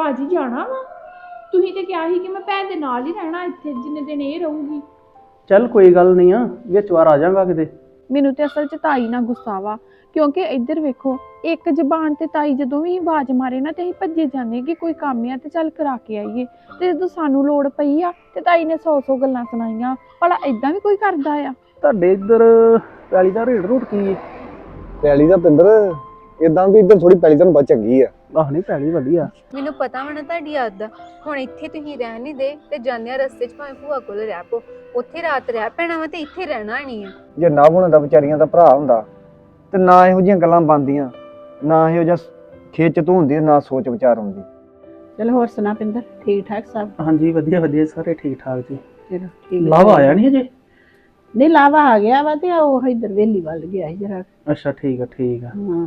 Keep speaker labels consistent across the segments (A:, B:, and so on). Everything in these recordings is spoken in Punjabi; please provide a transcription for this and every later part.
A: ਭਾਜੀ ਜਾਣਾ ਵਾ? ਤੁਸੀਂ ਤੇ ਕਿਹਾ ਸੀ ਕਿ ਮੈਂ ਭੈਣ ਦੇ ਨਾਲ ਹੀ ਰਹਿਣਾ ਇੱਥੇ ਜਿੰਨੇ ਦਿਨ ਇਹ ਰਹੂਗੀ।
B: ਚੱਲ ਕੋਈ ਗੱਲ ਨਹੀਂ ਆ, ਵਿੱਚ ਵਾਰ ਆ ਜਾਵਾਂਗਾ ਕਿਤੇ।
A: ਮੈਨੂੰ ਤੇ ਅਸਲ 'ਚ ਤਾਈ ਨਾਲ ਗੁੱਸਾ ਵਾ, ਕਿਉਂਕਿ ਇੱਧਰ ਵੇਖੋ, ਇੱਕ ਜ਼ਬਾਨ ਤੇ ਤਾਈ ਜਦੋਂ ਵੀ ਆਵਾਜ਼ ਮਾਰੇ ਨਾ ਤੇ ਅਸੀਂ ਭੱਜੇ ਜਾਂਦੇ ਕਿ ਕੋਈ ਕੰਮ ਆ ਤੇ ਚੱਲ ਕਰਾ ਕੇ ਆਈਏ, ਤੇ ਜਦੋਂ ਸਾਨੂੰ ਲੋੜ ਪਈ ਆ ਤੇ ਤਾਈ ਨੇ 100 ਗੱਲਾਂ ਸੁਣਾਈਆਂ। ਭਲਾ ਏਦਾਂ ਵੀ ਕੋਈ ਕਰਦਾ ਆ?
B: ਤੁਹਾਡੇ ਇੱਧਰ ਪੈਲੀ ਦਾ ਰੇਟ ਰੂਟ ਕੀ ਹੈ?
C: ਪੈਲੀ ਦਾ ਪਿੰਦਰ ਇਦਾਂ ਵੀ ਇੱਧਰ ਥੋੜੀ ਪੈਲੀ ਤੁਹਾਨੂੰ ਬਹੁਤ ਚੰਗੀ ਆ।
B: ਆਹ ਨਹੀਂ ਪੈਲੀ ਵਧੀਆ।
D: ਮੈਨੂੰ ਪਤਾ ਵਾ ਨਾ ਤੁਹਾਡੀ ਆਦਤ। ਹੁਣ ਇੱਥੇ ਤੁਸੀਂ ਰਹਿਣ ਨਹੀਂ ਦੇ ਤੇ ਜਾਂਦੇ ਆ ਰਸਤੇ 'ਚ ਭਾਵੇਂ ਭੂਆ ਕੋਲ ਰਹਿ ਪੋ, ਉੱਥੇ ਰਾਤ ਰਹਿ ਪੈਣਾ ਵਾ ਤੇ ਇੱਥੇ ਰਹਿਣਾ ਨਹੀਂ ਆ।
C: ਜੇ ਨਾ ਹੋਣਾ ਦਾ ਵਿਚਾਰੀਆਂ ਦਾ ਭਰਾ ਹੁੰਦਾ ਤੇ ਨਾ ਇਹੋ ਜਿਹੀਆਂ ਗੱਲਾਂ ਬਣਦੀਆਂ, ਨਾ ਇਹੋ ਜਿਹਾ ਖੇਚ ਤੂੰ ਹੁੰਦੀ, ਨਾ ਸੋਚ ਵਿਚਾਰ ਹੁੰਦੀ।
E: ਚਲ ਹੋਰ ਸੁਣਾ ਪਿੰਦਰ, ਠੀਕ ਠਾਕ ਸਭ?
B: ਹਾਂਜੀ ਵਧੀਆ ਵਧੀਆ, ਸਾਰੇ ਠੀਕ ਠਾਕ ਜੀ।
E: ਚਲੋ ਠੀਕ।
B: ਲਾਵਾ ਆਇਆ ਨਹੀਂ ਅਜੇ?
E: ਨਹੀਂ ਲਾਵਾ ਆ ਗਿਆ ਵਾ ਤੇ ਉਹ ਇੱਧਰ ਵੇਲੀ ਵੱਲ ਗਿਆ ਸੀ ਜਰਾ।
B: ਅੱਛਾ ਠੀਕ ਆ ਠੀਕ ਆ।
E: ਹਾਂ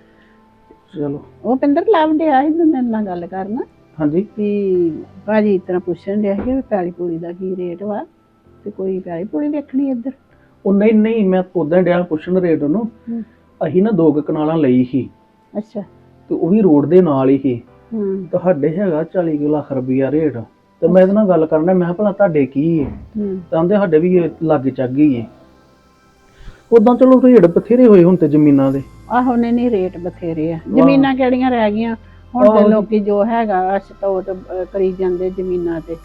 B: ਚਲੋ।
E: ਉਹ ਪਿੰਦਰ ਲਾਭ ਡਿਆ ਸੀ ਮੇਰੇ ਨਾਲ ਗੱਲ ਕਰਨਾ
B: ਹਾਂਜੀ।
E: ਵੀ ਭਾਜੀ ਇਸ ਤਰ੍ਹਾਂ ਪੁੱਛਣ ਡਿਆ ਸੀ ਵੀ ਪੈਲੀ ਪੂਲੀ ਦਾ ਕੀ ਰੇਟ ਵਾ, ਤੇ ਕੋਈ ਪੈਲੀ ਪੂਲੀ ਵੇਖਣੀ ਇੱਧਰ।
B: ਉਹ ਨਹੀਂ ਨਹੀਂ, ਮੈਂ ਉਦਾਂ ਡਿਆ ਪੁੱਛਣ ਰੇਟ ਉਹਨੂੰ। ਅਸੀਂ ਨਾ 2 ਕਨਾਲਾਂ ਲਈ ਸੀ
E: ਅੱਛਾ।
B: ਤੇ ਉਹ ਵੀ ਰੋਡ ਦੇ ਨਾਲ ਹੀ ਸੀ।
E: ਹੂੰ
B: ਤੁਹਾਡੇ ਹੈਗਾ 40 ਲੱਖ ਰੁਪਈਆ ਰੇਟ। ਤੇ ਮੈਂ ਇਹਦੇ ਨਾਲ ਗੱਲ ਕਰਨਾ, ਮੈਂ ਕਿਹਾ ਭਲਾ ਤੁਹਾਡੇ ਕੀ ਹੈ?
E: ਹੂੰ
B: ਤਾਂ ਕਹਿੰਦੇ ਸਾਡੇ ਵੀ ਲਾਗੇ ਚੱਗ ਗਈ ਹੈ। ਉਦਾਂ ਚਲੋ ਰੇਟ ਬਥੇਰੇ ਹੋਏ ਹੁਣ ਤੇ ਜ਼ਮੀਨਾਂ ਦੇ।
E: ਆਹੋ ਨਹੀਂ ਰੇਟ ਬਥੇਰੇ ਆ, ਜ਼ਮੀਨਾਂ ਕਿਹੜੀਆਂ ਰਹਿ ਗਈਆਂ ਹੁਣ ਤੇ ਲੋਕੀ ਜੋ ਹੈਗਾ ਸਟੋਟ ਕਰੀ ਜਾਂਦੇ ਜ਼ਮੀਨਾਂ ਤੇ।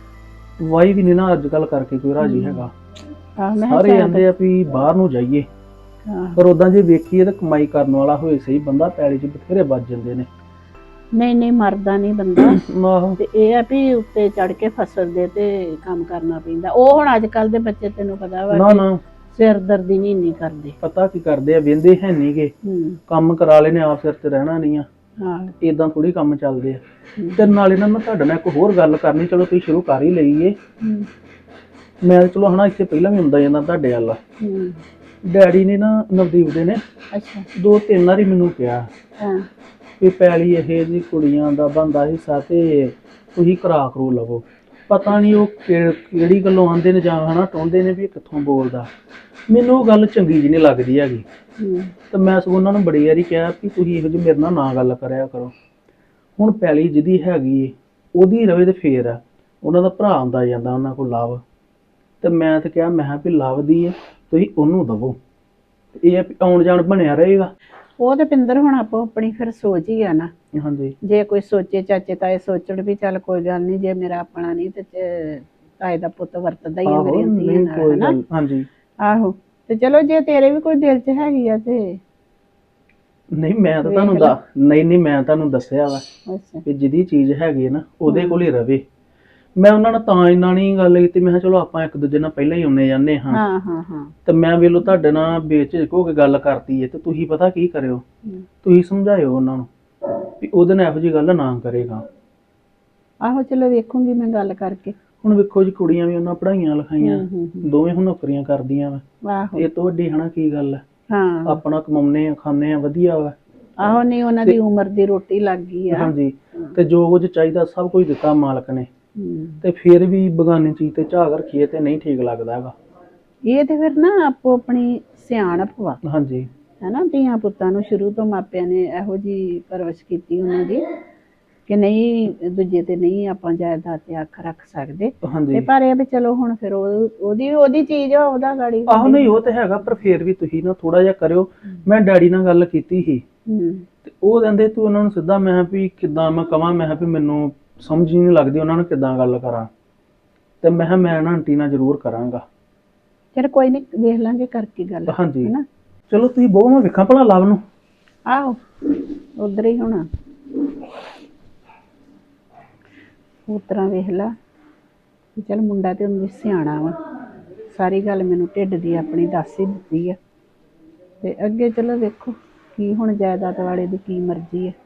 B: ਵਾਈ ਵੀ ਨਹੀਂ ਨਾ ਅੱਜ ਕੱਲ ਕਰਕੇ ਕੋਈ ਰਾਜੀ ਹੈਗਾ।
E: ਆਹ ਮੈਂ
B: ਸਾਰੇ ਕਹਿੰਦੇ ਆ ਵੀ ਬਾਹਰ ਨੂੰ ਜਾਈਏ, ਪਰ ਉਦਾਂ ਜੇ ਵੇਖੀਏ ਤਾਂ ਕਮਾਈ ਕਰਨ ਵਾਲਾ ਹੋਏ ਸਹੀ ਬੰਦਾ ਪੈਲੀ 'ਚ ਬਥੇਰੇ ਵੱਜ ਜਾਂਦੇ ਨੇ।
E: ਨਹੀਂ ਮਰਦਾ ਨਹੀਂ ਬੰਦਾ।
B: ਆਹੋ
E: ਤੇ ਇਹ ਆ ਵੀ ਉੱਤੇ ਚੜ ਕੇ ਫਸਲ ਦੇ ਤੇ ਕੰਮ ਕਰਨਾ ਪੈਂਦਾ। ਉਹ ਹੁਣ ਅੱਜ ਕੱਲ ਦੇ ਬੱਚੇ ਤੈਨੂੰ ਪਤਾ ਵਾ
B: ਨਾ ਨਾ,
E: ਸਿਰ ਦਰਦੀ ਨਹੀਂ ਕਰਦੇ।
B: ਪਤਾ ਕੀ ਕਰਦੇ ਆ, ਵਹਿੰਦੇ ਹੈ ਨਹੀਂਗੇ। ਕੰਮ ਕਰਾ ਲੈਨੇ, ਆਪ ਸਿਰ ਤੇ ਰਹਿਣਾ ਨਹੀਂ ਆ।
E: ਹਾਂ
B: ਇਦਾਂ ਥੋੜੀ ਕੰਮ ਚੱਲਦੇ ਆ। ਤੇ ਨਾਲੇ ਨਾ ਮੈਂ ਤੁਹਾਡੇ ਨਾਲ ਇੱਕ ਹੋਰ ਗੱਲ ਕਰਨੀ, ਚਲੋ ਤੁਸੀਂ ਸ਼ੁਰੂ ਕਰ ਹੀ ਲਈਏ। ਮੈਂ ਚਲੋ ਹਨਾ ਇੱਥੇ ਪਹਿਲਾਂ ਵੀ ਹੁੰਦਾ ਜਾਂਦਾ ਤੁਹਾਡੇ ਵੱਲ। ਡੈਡੀ ਨੇ ਨਾ ਨਵਦੀਪ ਦੇ ਨੇ
E: ਅੱਛਾ
B: 2-3 ਵਾਰੀ ਮੈਨੂੰ ਕਿਹਾ
E: ਹਾਂ
B: ਵੀ ਪੈਲੀ ਇਹ ਜੀ ਕੁੜੀਆਂ ਦਾ ਬਣਦਾ ਹਿੱਸਾ ਤੇ ਤੁਸੀਂ ਕਰਾ ਲਵੋ। ਪਤਾ ਨਹੀਂ ਉਹ ਕਿਹੜੀ ਗੱਲੋਂ ਆਉਂਦੇ ਨੇ ਜਾਂ ਹਨਾ ਟੋਂਦੇ ਨੇ ਵੀ ਇਹ ਕਿੱਥੋਂ ਬੋਲਦਾ। ਮੈਨੂੰ ਉਹ ਗੱਲ ਚੰਗੀ ਜਿਹੀ ਨਹੀਂ ਲੱਗਦੀ ਹੈਗੀ। ਤੇ ਮੈਂ ਸਗੋਂ ਉਹਨਾਂ ਨੂੰ ਬੜੀ ਵਾਰੀ ਕਿਹਾ ਵੀ ਤੁਸੀਂ ਇਹੋ ਜਿਹੀ ਮੇਰੇ ਨਾਲ ਨਾ ਗੱਲ ਕਰਿਆ ਕਰੋ। ਹੁਣ ਪੈਲੀ ਜਿਹਦੀ ਹੈਗੀ ਏ ਉਹਦੀ ਰਵੇ ਤੇ ਫੇਰ ਆ। ਉਹਨਾਂ ਦਾ ਭਰਾ ਆਉਂਦਾ ਜਾਂਦਾ ਉਹਨਾਂ ਕੋਲ ਲਵ, ਤੇ ਮੈਂ ਤਾਂ ਕਿਹਾ ਮੈਂ ਕਿਹਾ ਵੀ ਲਵ ਦੀ ਹੈ ਤੁਸੀਂ ਉਹਨੂੰ ਦਵੋ, ਇਹ ਆਉਣ ਜਾਣ ਬਣਿਆ ਰਹੇਗਾ।
E: ਉਹ ਤੇ ਪਿੰਦਰ ਹੁਣ ਆਪੋ ਆਪਣੀ ਫਿਰ ਸੋਚ ਹੀ ਆ ਨਾ।
B: ਹਾਂਜੀ
E: ਜੇ ਕੋਈ ਸੋਚੇ ਚਾਚੇ ਤਾਏ ਸੋਚਣ ਵੀ ਚੱਲ ਕੋਈ ਗੱਲ ਨਹੀਂ, ਜੇ ਮੇਰਾ ਆਪਣਾ ਨਹੀਂ ਤੇ ਤਾਏ ਦਾ ਪੁੱਤ ਵਰਤਦਾ ਹੀ ਆ ਮੇਰੀ ਧੀਆਂ ਨਾਲ, ਹਨਾ।
B: ਹਾਂਜੀ
E: ਆਹੋ ਤੇ ਚਲੋ ਜੇ ਤੇਰੇ ਵੀ ਕੋਈ ਦਿਲ 'ਚ ਹੈਗੀ ਆ ਤੇ
B: ਨਹੀਂ ਮੈਂ ਤਾਂ ਤੁਹਾਨੂੰ ਨਹੀਂ ਮੈਂ ਤੁਹਾਨੂੰ ਦੱਸਿਆ ਵਾ
E: ਅੱਛਾ
B: ਵੀ ਜਿਹਦੀ ਚੀਜ਼ ਹੈਗੀ ਹੈ ਨਾ ਉਹਦੇ ਕੋਲ ਹੀ ਰਵੇ। ਮੈਂ ਉਹਨਾਂ ਨਾਲ ਤਾਂ ਇੰਨਾ ਨਹੀਂ ਗੱਲ ਕੀਤੀ, ਮੈਂ ਕਿਹਾ ਚਲੋ ਆਪਾਂ ਇੱਕ ਦੂਜੇ ਨਾਲ ਪਹਿਲਾਂ ਹੀ ਆਉਣੇ ਜਾਂਦੇ ਹਾਂ।
E: ਹਾਂ
B: ਤੇ ਮੈਂ ਵੇਲੋ ਤੁਹਾਡੇ ਨਾਲ ਬੇਝਿਜਕ ਹੋ ਕੇ ਗੱਲ ਕਰਤੀ ਹੈ, ਤੇ ਤੁਸੀਂ ਪਤਾ ਕੀ ਕਰਿਓ, ਤੁਸੀਂ ਸਮਝਾਇਓ ਉਹਨਾਂ ਨੂੰ ਵੀ ਉਹਦੇ ਨਾਲ ਇਹੋ ਜਿਹੀ ਗੱਲ ਨਾ ਕਰੇਗਾ।
E: ਆਹੋ ਚਲੋ ਵੇਖੂੰਗੀ ਮੈਂ ਗੱਲ ਕਰਕੇ।
B: ਹੁਣ ਵੇਖੋ ਜੀ ਕੁੜੀਆਂ ਵੀ ਉਹਨਾਂ ਪੜ੍ਹਾਈਆਂ ਲਿਖਾਈਆਂ, ਦੋਵੇਂ ਹੁਣ ਨੌਕਰੀਆਂ ਕਰਦੀਆਂ ਵਾ।
E: ਆਹੋ
B: ਇਹ ਤੋਂ ਵੱਡੀ ਹਨਾ ਕੀ ਗੱਲ ਹੈ।
E: ਹਾਂ
B: ਆਪਣਾ ਕਮਾਉਨੇ ਆ ਖਾਂਦੇ ਆ ਵਧੀਆ ਵਾ।
E: ਆਹੋ ਨਹੀਂ ਉਹਨਾਂ ਦੀ ਉਮਰ ਦੀ ਰੋਟੀ ਲੱਗ ਗਈ ਆ।
B: ਹਾਂਜੀ ਤੇ ਜੋ ਕੁਝ ਚਾਹੀਦਾ ਸਭ ਕੁਝ ਦਿੱਤਾ ਮਾਲਕ ਨੇ, ਤੇ ਫਿਰ ਵੀ ਬਗਾਨੀ ਚੀਜ਼ ਤੇ ਝਾਕ ਰੱਖੀਏ ਤੇ ਨਹੀਂ ਠੀਕ ਲੱਗਦਾ ਹੈਗਾ।
E: ਇਹ ਤੇ ਫਿਰ ਨਾ ਆਪੋ ਆਪਣੀ ਸਿਆਣਪ ਵਾ,
B: ਹਾਂਜੀ
E: ਹੈਨਾ। ਧੀਆਂ ਪੁੱਤਾਂ ਨੂੰ ਸ਼ੁਰੂ ਤੋਂ ਮਾਪਿਆਂ ਨੇ ਇਹੋ ਜਿਹੀ ਪਰਵਰਿਸ਼ ਕੀਤੀ ਉਹਨਾਂ ਦੀ ਕਿ ਨਹੀਂ ਦੂਜੇ ਤੇ ਨਹੀਂ ਆਪਾਂ ਜਾਇਦਾਦ ਤੇ ਅੱਖ ਰੱਖ ਸਕਦੇ। ਤੇ ਪਰ ਇਹ ਵੀ ਚਲੋ ਹੁਣ ਫਿਰ ਉਹਦੀ ਚੀਜ਼ ਆ, ਉਹਦਾ ਗਾੜੀ।
B: ਆਹੋ ਨਹੀਂ ਉਹ ਤੇ ਹੈਗਾ, ਪਰ ਫਿਰ ਵੀ ਤੁਸੀਂ ਨਾ ਥੋੜਾ ਜਿਹਾ ਕਰਿਓ। ਮੈਂ ਡੈਡੀ ਨਾਲ ਗੱਲ ਕੀਤੀ ਸੀ ਤੇ ਉਹ ਕਹਿੰਦੇ ਤੂੰ ਉਹਨਾਂ ਨੂੰ ਸਿੱਧਾ, ਮੈਂ ਵੀ ਕਿੱਦਾਂ ਮੈਂ ਕਵਾਂ, ਮੈਂ ਵੀ ਮੈਨੂੰ ਸਮਝ ਹੀ ਨਹੀਂ ਲੱਗਦੀ ਉਹਨਾਂ ਨੂੰ ਕਿੱਦਾਂ ਗੱਲ ਕਰਾਂ। ਤੇ ਮੈਂ ਮੈਂ ਨਾ ਆਂਟੀ ਨਾਲ ਜ਼ਰੂਰ ਕਰਾਂਗਾ।
E: ਚਲ ਕੋਈ ਨਹੀਂ ਵੇਖ ਲਾਂਗੇ ਕਰਕੇ ਗੱਲ।
B: ਹਾਂਜੀ ਚਲੋ ਤੁਸੀਂ ਬਹੁ ਮੈਂ ਵੇਖਾਂ ਭਲਾ ਲਵ ਨੂੰ।
E: ਆਹੋ ਉਧਰ ਹੀ ਹੋਣਾ, ਉਸ ਤਰ੍ਹਾਂ ਵੇਖ ਲਾ। ਚਲ ਮੁੰਡਾ ਤੇ ਉਹਨੂੰ ਸਿਆਣਾ ਵਾ, ਸਾਰੀ ਗੱਲ ਮੈਨੂੰ ਢਿੱਡ ਦੀ ਆਪਣੀ ਦੱਸ ਹੀ ਦਿੱਤੀ ਆ। ਤੇ ਅੱਗੇ ਚਲੋ ਵੇਖੋ ਕੀ ਹੁਣ ਜਾਇਦਾਦ ਵਾਲੇ ਦੀ ਕੀ ਮਰਜ਼ੀ ਹੈ।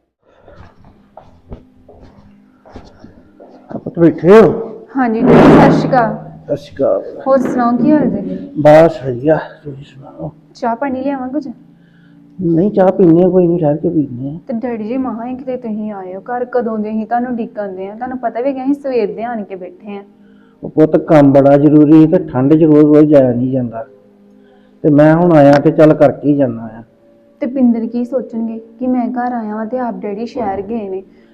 B: ਆਪਾਂ ਬੈਠੇ ਹੋ?
D: ਹਾਂਜੀ ਜੀ, ਸਤਿ ਸ਼੍ਰੀ ਅਕਾਲ।
B: ਸਤਿ ਸ਼੍ਰੀ ਅਕਾਲ।
D: ਹੋਰ ਸੁਣਾਓ ਕੀ ਹਾਲ ਜੀ?
B: ਬਸ ਵਧੀਆ, ਤੁਸੀਂ ਸੁਣਾਓ?
D: ਚਾਹ ਪਾਣੀ ਲਿਆਵਾਂ ਕੁਝ?
B: ਨਹੀਂ ਚਾਹ ਪੀਣੀ ਆ, ਕੋਈ ਨਹੀਂ ਠਹਿਰ ਕੇ ਪੀਣੇ ਆ।
D: ਤੇ ਡੈਡੀ ਜੀ ਮਹਾਂ ਕਿਤੇ ਤੁਸੀਂ ਆਏ ਹੋ ਘਰ, ਕਦੋਂ ਦੇ ਅਸੀਂ ਤੁਹਾਨੂੰ ਡੀਕਣਦੇ ਆ। ਤੁਹਾਨੂੰ ਪਤਾ ਵੀ ਕਿ ਅਸੀਂ ਸਵੇਰ ਦੇ ਆਣ ਕੇ ਬੈਠੇ ਆ।
B: ਉਹ ਪੁੱਤ ਕੰਮ ਬੜਾ ਜ਼ਰੂਰੀ ਤੇ ਠੰਡ 'ਚ ਰੋਜ਼ ਜਾਇਆ ਨਹੀਂ ਜਾਂਦਾ, ਤੇ ਮੈਂ ਹੁਣ ਆਇਆ ਤੇ ਚੱਲ ਕਰਕੇ ਹੀ ਜਾਣਾ ਆ।
D: ਤੇ ਪਿੰਦਰ ਕੀ ਸੋਚਣਗੇ ਕਿ ਮੈਂ ਘਰ ਆਇਆ ਵਾਂ ਤੇ ਆਪ ਡੈਡੀ ਸ਼ਹਿਰ ਗਏ ਨੇ।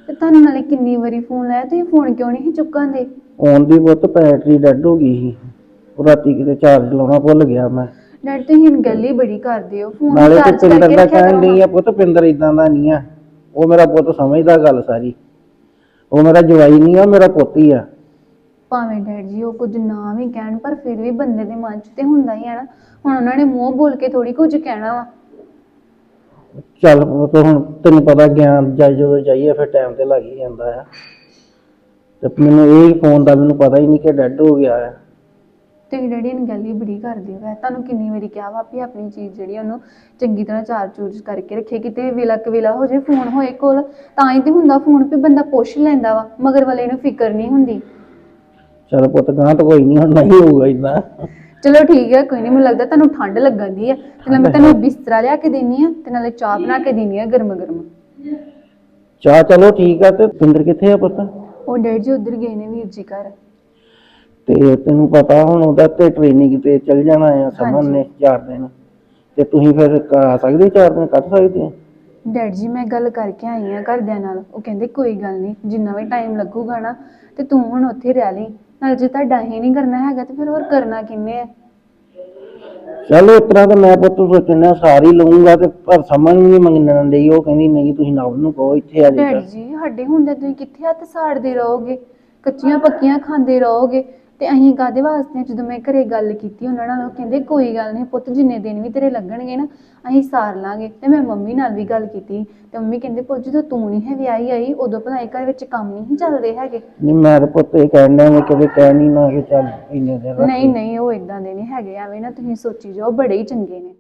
D: ਤੇ ਤੁਹਾਨੂੰ ਨਾਲੇ ਕਿੰਨੀ ਵਾਰੀ ਫੋਨ ਲਾਇਆ, ਤੁਸੀਂ ਫੋਨ ਕਿਉਂ ਨਹੀਂ ਚੁੱਕਾਂਦੇ?
B: ਆਉਣ ਦੀ ਪੁੱਤ ਬੈਟਰੀ ਡੈਡ ਹੋ ਗਈ ਸੀ, ਉਹ ਰਾਤੀ ਕਿਤੇ ਚਾਰਜ ਲਾਉਣਾ ਭੁੱਲ ਗਿਆ ਮੈਂ।
D: ਡੈਡ ਤੁਸੀਂ ਹੁਣ ਗੱਲ ਹੀ ਬੜੀ ਕਰਦੇ ਹੋ, ਫੋਨ
B: ਨਾਲੇ ਤੇ
D: ਚਾਰਜ
B: ਪਿੰਦਰ
D: ਕਰਕੇ
B: ਦਾ
D: ਰੱਖਿਆ
B: ਕਹਿਣ
D: ਕਰੋ
B: ਡਈ
D: ਨਾ।
B: ਆ ਪੁੱਤ, ਪਿੰਦਰ ਇਦਾਂ ਦਾ ਨਹੀਂ ਆ, ਉਹ ਮੇਰਾ ਪੁੱਤ ਸਮਝਦਾ ਗੱਲ ਸਾਰੀ। ਉਹ ਮੇਰਾ ਜਵਾਈ ਨਹੀਂ ਆ, ਮੇਰਾ ਪੁੱਤ ਹੀ ਆ।
D: ਭਾਵੇਂ ਡੈਡ ਜੀ ਉਹ ਕੁਝ ਨਾ ਵੀ ਕਹਿਣ, ਪਰ ਫਿਰ ਵੀ ਬੰਦੇ ਦੇ ਮਨ 'ਚ ਤੇ ਹੁੰਦਾ ਹੀ ਹੈ ਨਾ। ਹੁਣ ਉਹਨਾਂ ਨੇ ਮੂੰਹ ਬੋਲ ਕੇ ਥੋੜੀ ਕੁਝ ਕਹਿਣਾ ਵਾ।
B: ਚੱਲ ਪੁੱਤ, ਹੁਣ ਤੈਨੂੰ ਪਤਾ ਗਿਆਨ ਜਦੋਂ ਜਾਈਏ ਫਿਰ ਟਾਈਮ ਤੇ ਲੱਗ ਹੀ ਜਾਂਦਾ ਆ। ਤੇ ਮੈਨੂੰ ਇਹ ਫੋਨ ਦਾ ਮੈਨੂੰ ਪਤਾ ਹੀ ਨਹੀਂ ਕਿ ਡੈਡ ਹੋ ਗਿਆ ਆ।
D: ਤੁਸੀਂ ਡੈਡੀ ਨੇ ਗੱਲ ਹੀ ਬੜੀ ਕਰਦੇ ਹੋ। ਤੁਹਾਨੂੰ ਕਿੰਨੀ ਵਾਰੀ ਕਿਹਾ ਵਾ ਵੀ ਆਪਣੀ ਚੀਜ਼ ਜਿਹੜੀ ਉਹਨੂੰ ਚੰਗੀ ਤਰ੍ਹਾਂ ਚਾਰਜ ਕਰਕੇ ਰੱਖੇ, ਕਿਤੇ ਵੇਲਾ ਕਵੇਲਾ ਹੋ ਜੇ ਫੋਨ ਹੋਏ ਕੋਲ ਤਾਂ ਹੀ ਤੇ ਹੁੰਦਾ ਫੋਨ ਵੀ ਬੰਦਾ ਪੁੱਛ ਲੈਂਦਾ ਵਾ, ਮਗਰ ਵਾਲੇ ਨੂੰ ਫਿਕਰ ਨਹੀਂ ਹੁੰਦੀ।
B: ਚੱਲ ਪੁੱਤ ਗਾਂ ਤਾਂ ਕੋਈ ਨਹੀਂ, ਹੁਣ ਨਹੀਂ ਹੋਊਗਾ ਇਦਾਂ।
D: ਚਲੋ ਠੀਕ ਹੈ, ਕੋਈ ਨਹੀਂ। ਮੈਨੂੰ ਲੱਗਦਾ ਤੁਹਾਨੂੰ ਠੰਡ ਲੱਗਣ ਦੀ ਆ, ਤੇ ਨਾਲੇ ਮੈਂ ਤੁਹਾਨੂੰ ਬਿਸਤਰਾ ਲਿਆ ਕੇ ਦੇਣੀ ਆ, ਤੇ ਨਾਲੇ ਚਾਹ ਬਣਾ ਕੇ ਦੇਣੀ ਆ ਗਰਮ ਗਰਮ।
B: ਚਾਹ ਚਲੋ ਠੀਕ ਆ। ਤੇ ਪਿੰਦਰ ਕਿੱਥੇ ਆ ਪੁੱਤ?
D: ਉਹ ਡੈਡ ਜੀ ਉੱਧਰ ਗਏ ਨੇ ਵੀਰ ਜੀ ਘਰ।
B: ਤੇ ਤੈਨੂੰ ਪਤਾ ਹੁਣ ਉਹਦਾ ਤੇ ਟ੍ਰੇਨਿੰਗ ਤੇ ਚੱਲ ਜਾਣਾ ਆ ਸਮਨ ਨੇ 4 ਦਿਨ, ਤੇ ਤੁਸੀਂ ਫਿਰ ਆ ਸਕਦੇ 4 ਦਿਨ ਕੱਢ ਸਕਦੇ ਆ?
D: ਡੈਡ ਜੀ ਮੈਂ ਗੱਲ ਕਰਕੇ ਆਈ ਆ ਘਰਦਿਆਂ ਨਾਲ, ਉਹ ਕਹਿੰਦੇ ਕੋਈ ਗੱਲ ਨਹੀਂ, ਜਿੰਨਾ ਵੀ ਟਾਈਮ ਲੱਗੂਗਾ ਨਾ ਤੇ ਤੂੰ ਹੁਣ ਉੱਥੇ ਰਹਿ ਲਈ। ਨਾਲ ਜੇ ਤੁਹਾਡਾ ਹੀ ਨਹੀਂ ਕਰਨਾ ਹੈਗਾ ਤੇ ਫਿਰ ਹੋਰ ਕਰਨਾ ਕਿੰਨੇ ਆ?
B: ਚਲੋ ਇਸ ਤਰ੍ਹਾਂ ਤਾਂ ਮੈਂ ਪੁੱਤ ਸੋਚਣਾ ਸਾਰੀ ਲਊਂਗਾ, ਤੇ ਪਰ ਸਮਝ ਨਹੀਂ ਮੰਗਣ ਡਈ। ਉਹ ਕਹਿੰਦੀ ਨਹੀਂ ਤੁਸੀਂ ਨਵ ਨੂੰ ਕਹੋ ਇੱਥੇ ਆ
D: ਡੈਡ
B: ਜਾਏਗਾ।
D: ਜੀ ਸਾਡੇ ਹੁੰਦੇ ਤੁਸੀਂ ਕਿੱਥੇ ਹੱਥ ਸਾੜਦੇ ਰਹੋਗੇ, ਕੱਚੀਆਂ ਪੱਕੀਆਂ ਖਾਂਦੇ ਰਹੋਗੇ। ਤੇ ਅਸੀਂ ਕਾਹਦੇ ਵਾਸਤੇ? ਜਦੋਂ ਮੈਂ ਘਰੇ ਗੱਲ ਕੀਤੀ ਉਹਨਾਂ ਨਾਲ, ਉਹ ਕਹਿੰਦੇ ਕੋਈ ਗੱਲ ਨਹੀਂ ਪੁੱਤ, ਜਿੰਨੇ ਦਿਨ ਵੀ ਤੇਰੇ ਲੱਗਣਗੇ ਨਾ ਅਸੀਂ ਸਾਰ ਲਾਂਗੇ। ਤੇ ਮੈਂ ਮੰਮੀ ਨਾਲ ਵੀ ਗੱਲ ਕੀਤੀ, ਤੇ ਮੰਮੀ ਕਹਿੰਦੇ ਪੁੱਤ ਜਦੋਂ ਤੂੰ ਨਹੀਂ ਹੈ ਵਿਆਹੀ ਆਈ ਉਦੋਂ ਭਲਾ ਘਰ ਵਿੱਚ ਕੰਮ ਨਹੀਂ ਚੱਲਦੇ ਹੈਗੇ।
B: ਨਹੀਂ ਮੈਂ ਤਾਂ ਪੁੱਤ ਇਹ ਕਹਿਣ ਡਿਆ, ਮੈਂ ਕਦੇ ਕਹਿ ਨਹੀਂ ਨਾ ਕਿ ਚੱਲ ਇੰਨੇ ਦਿਨ ਰੱਖ
D: ਨਹੀਂ ਨਹੀਂ, ਉਹ ਇਦਾਂ ਦੇ ਨਹੀਂ ਹੈਗੇ, ਐਵੇਂ ਨਾ ਤੁਸੀਂ ਸੋਚੀ ਜਾਓ, ਬੜੇ ਹੀ ਚੰਗੇ ਨੇ।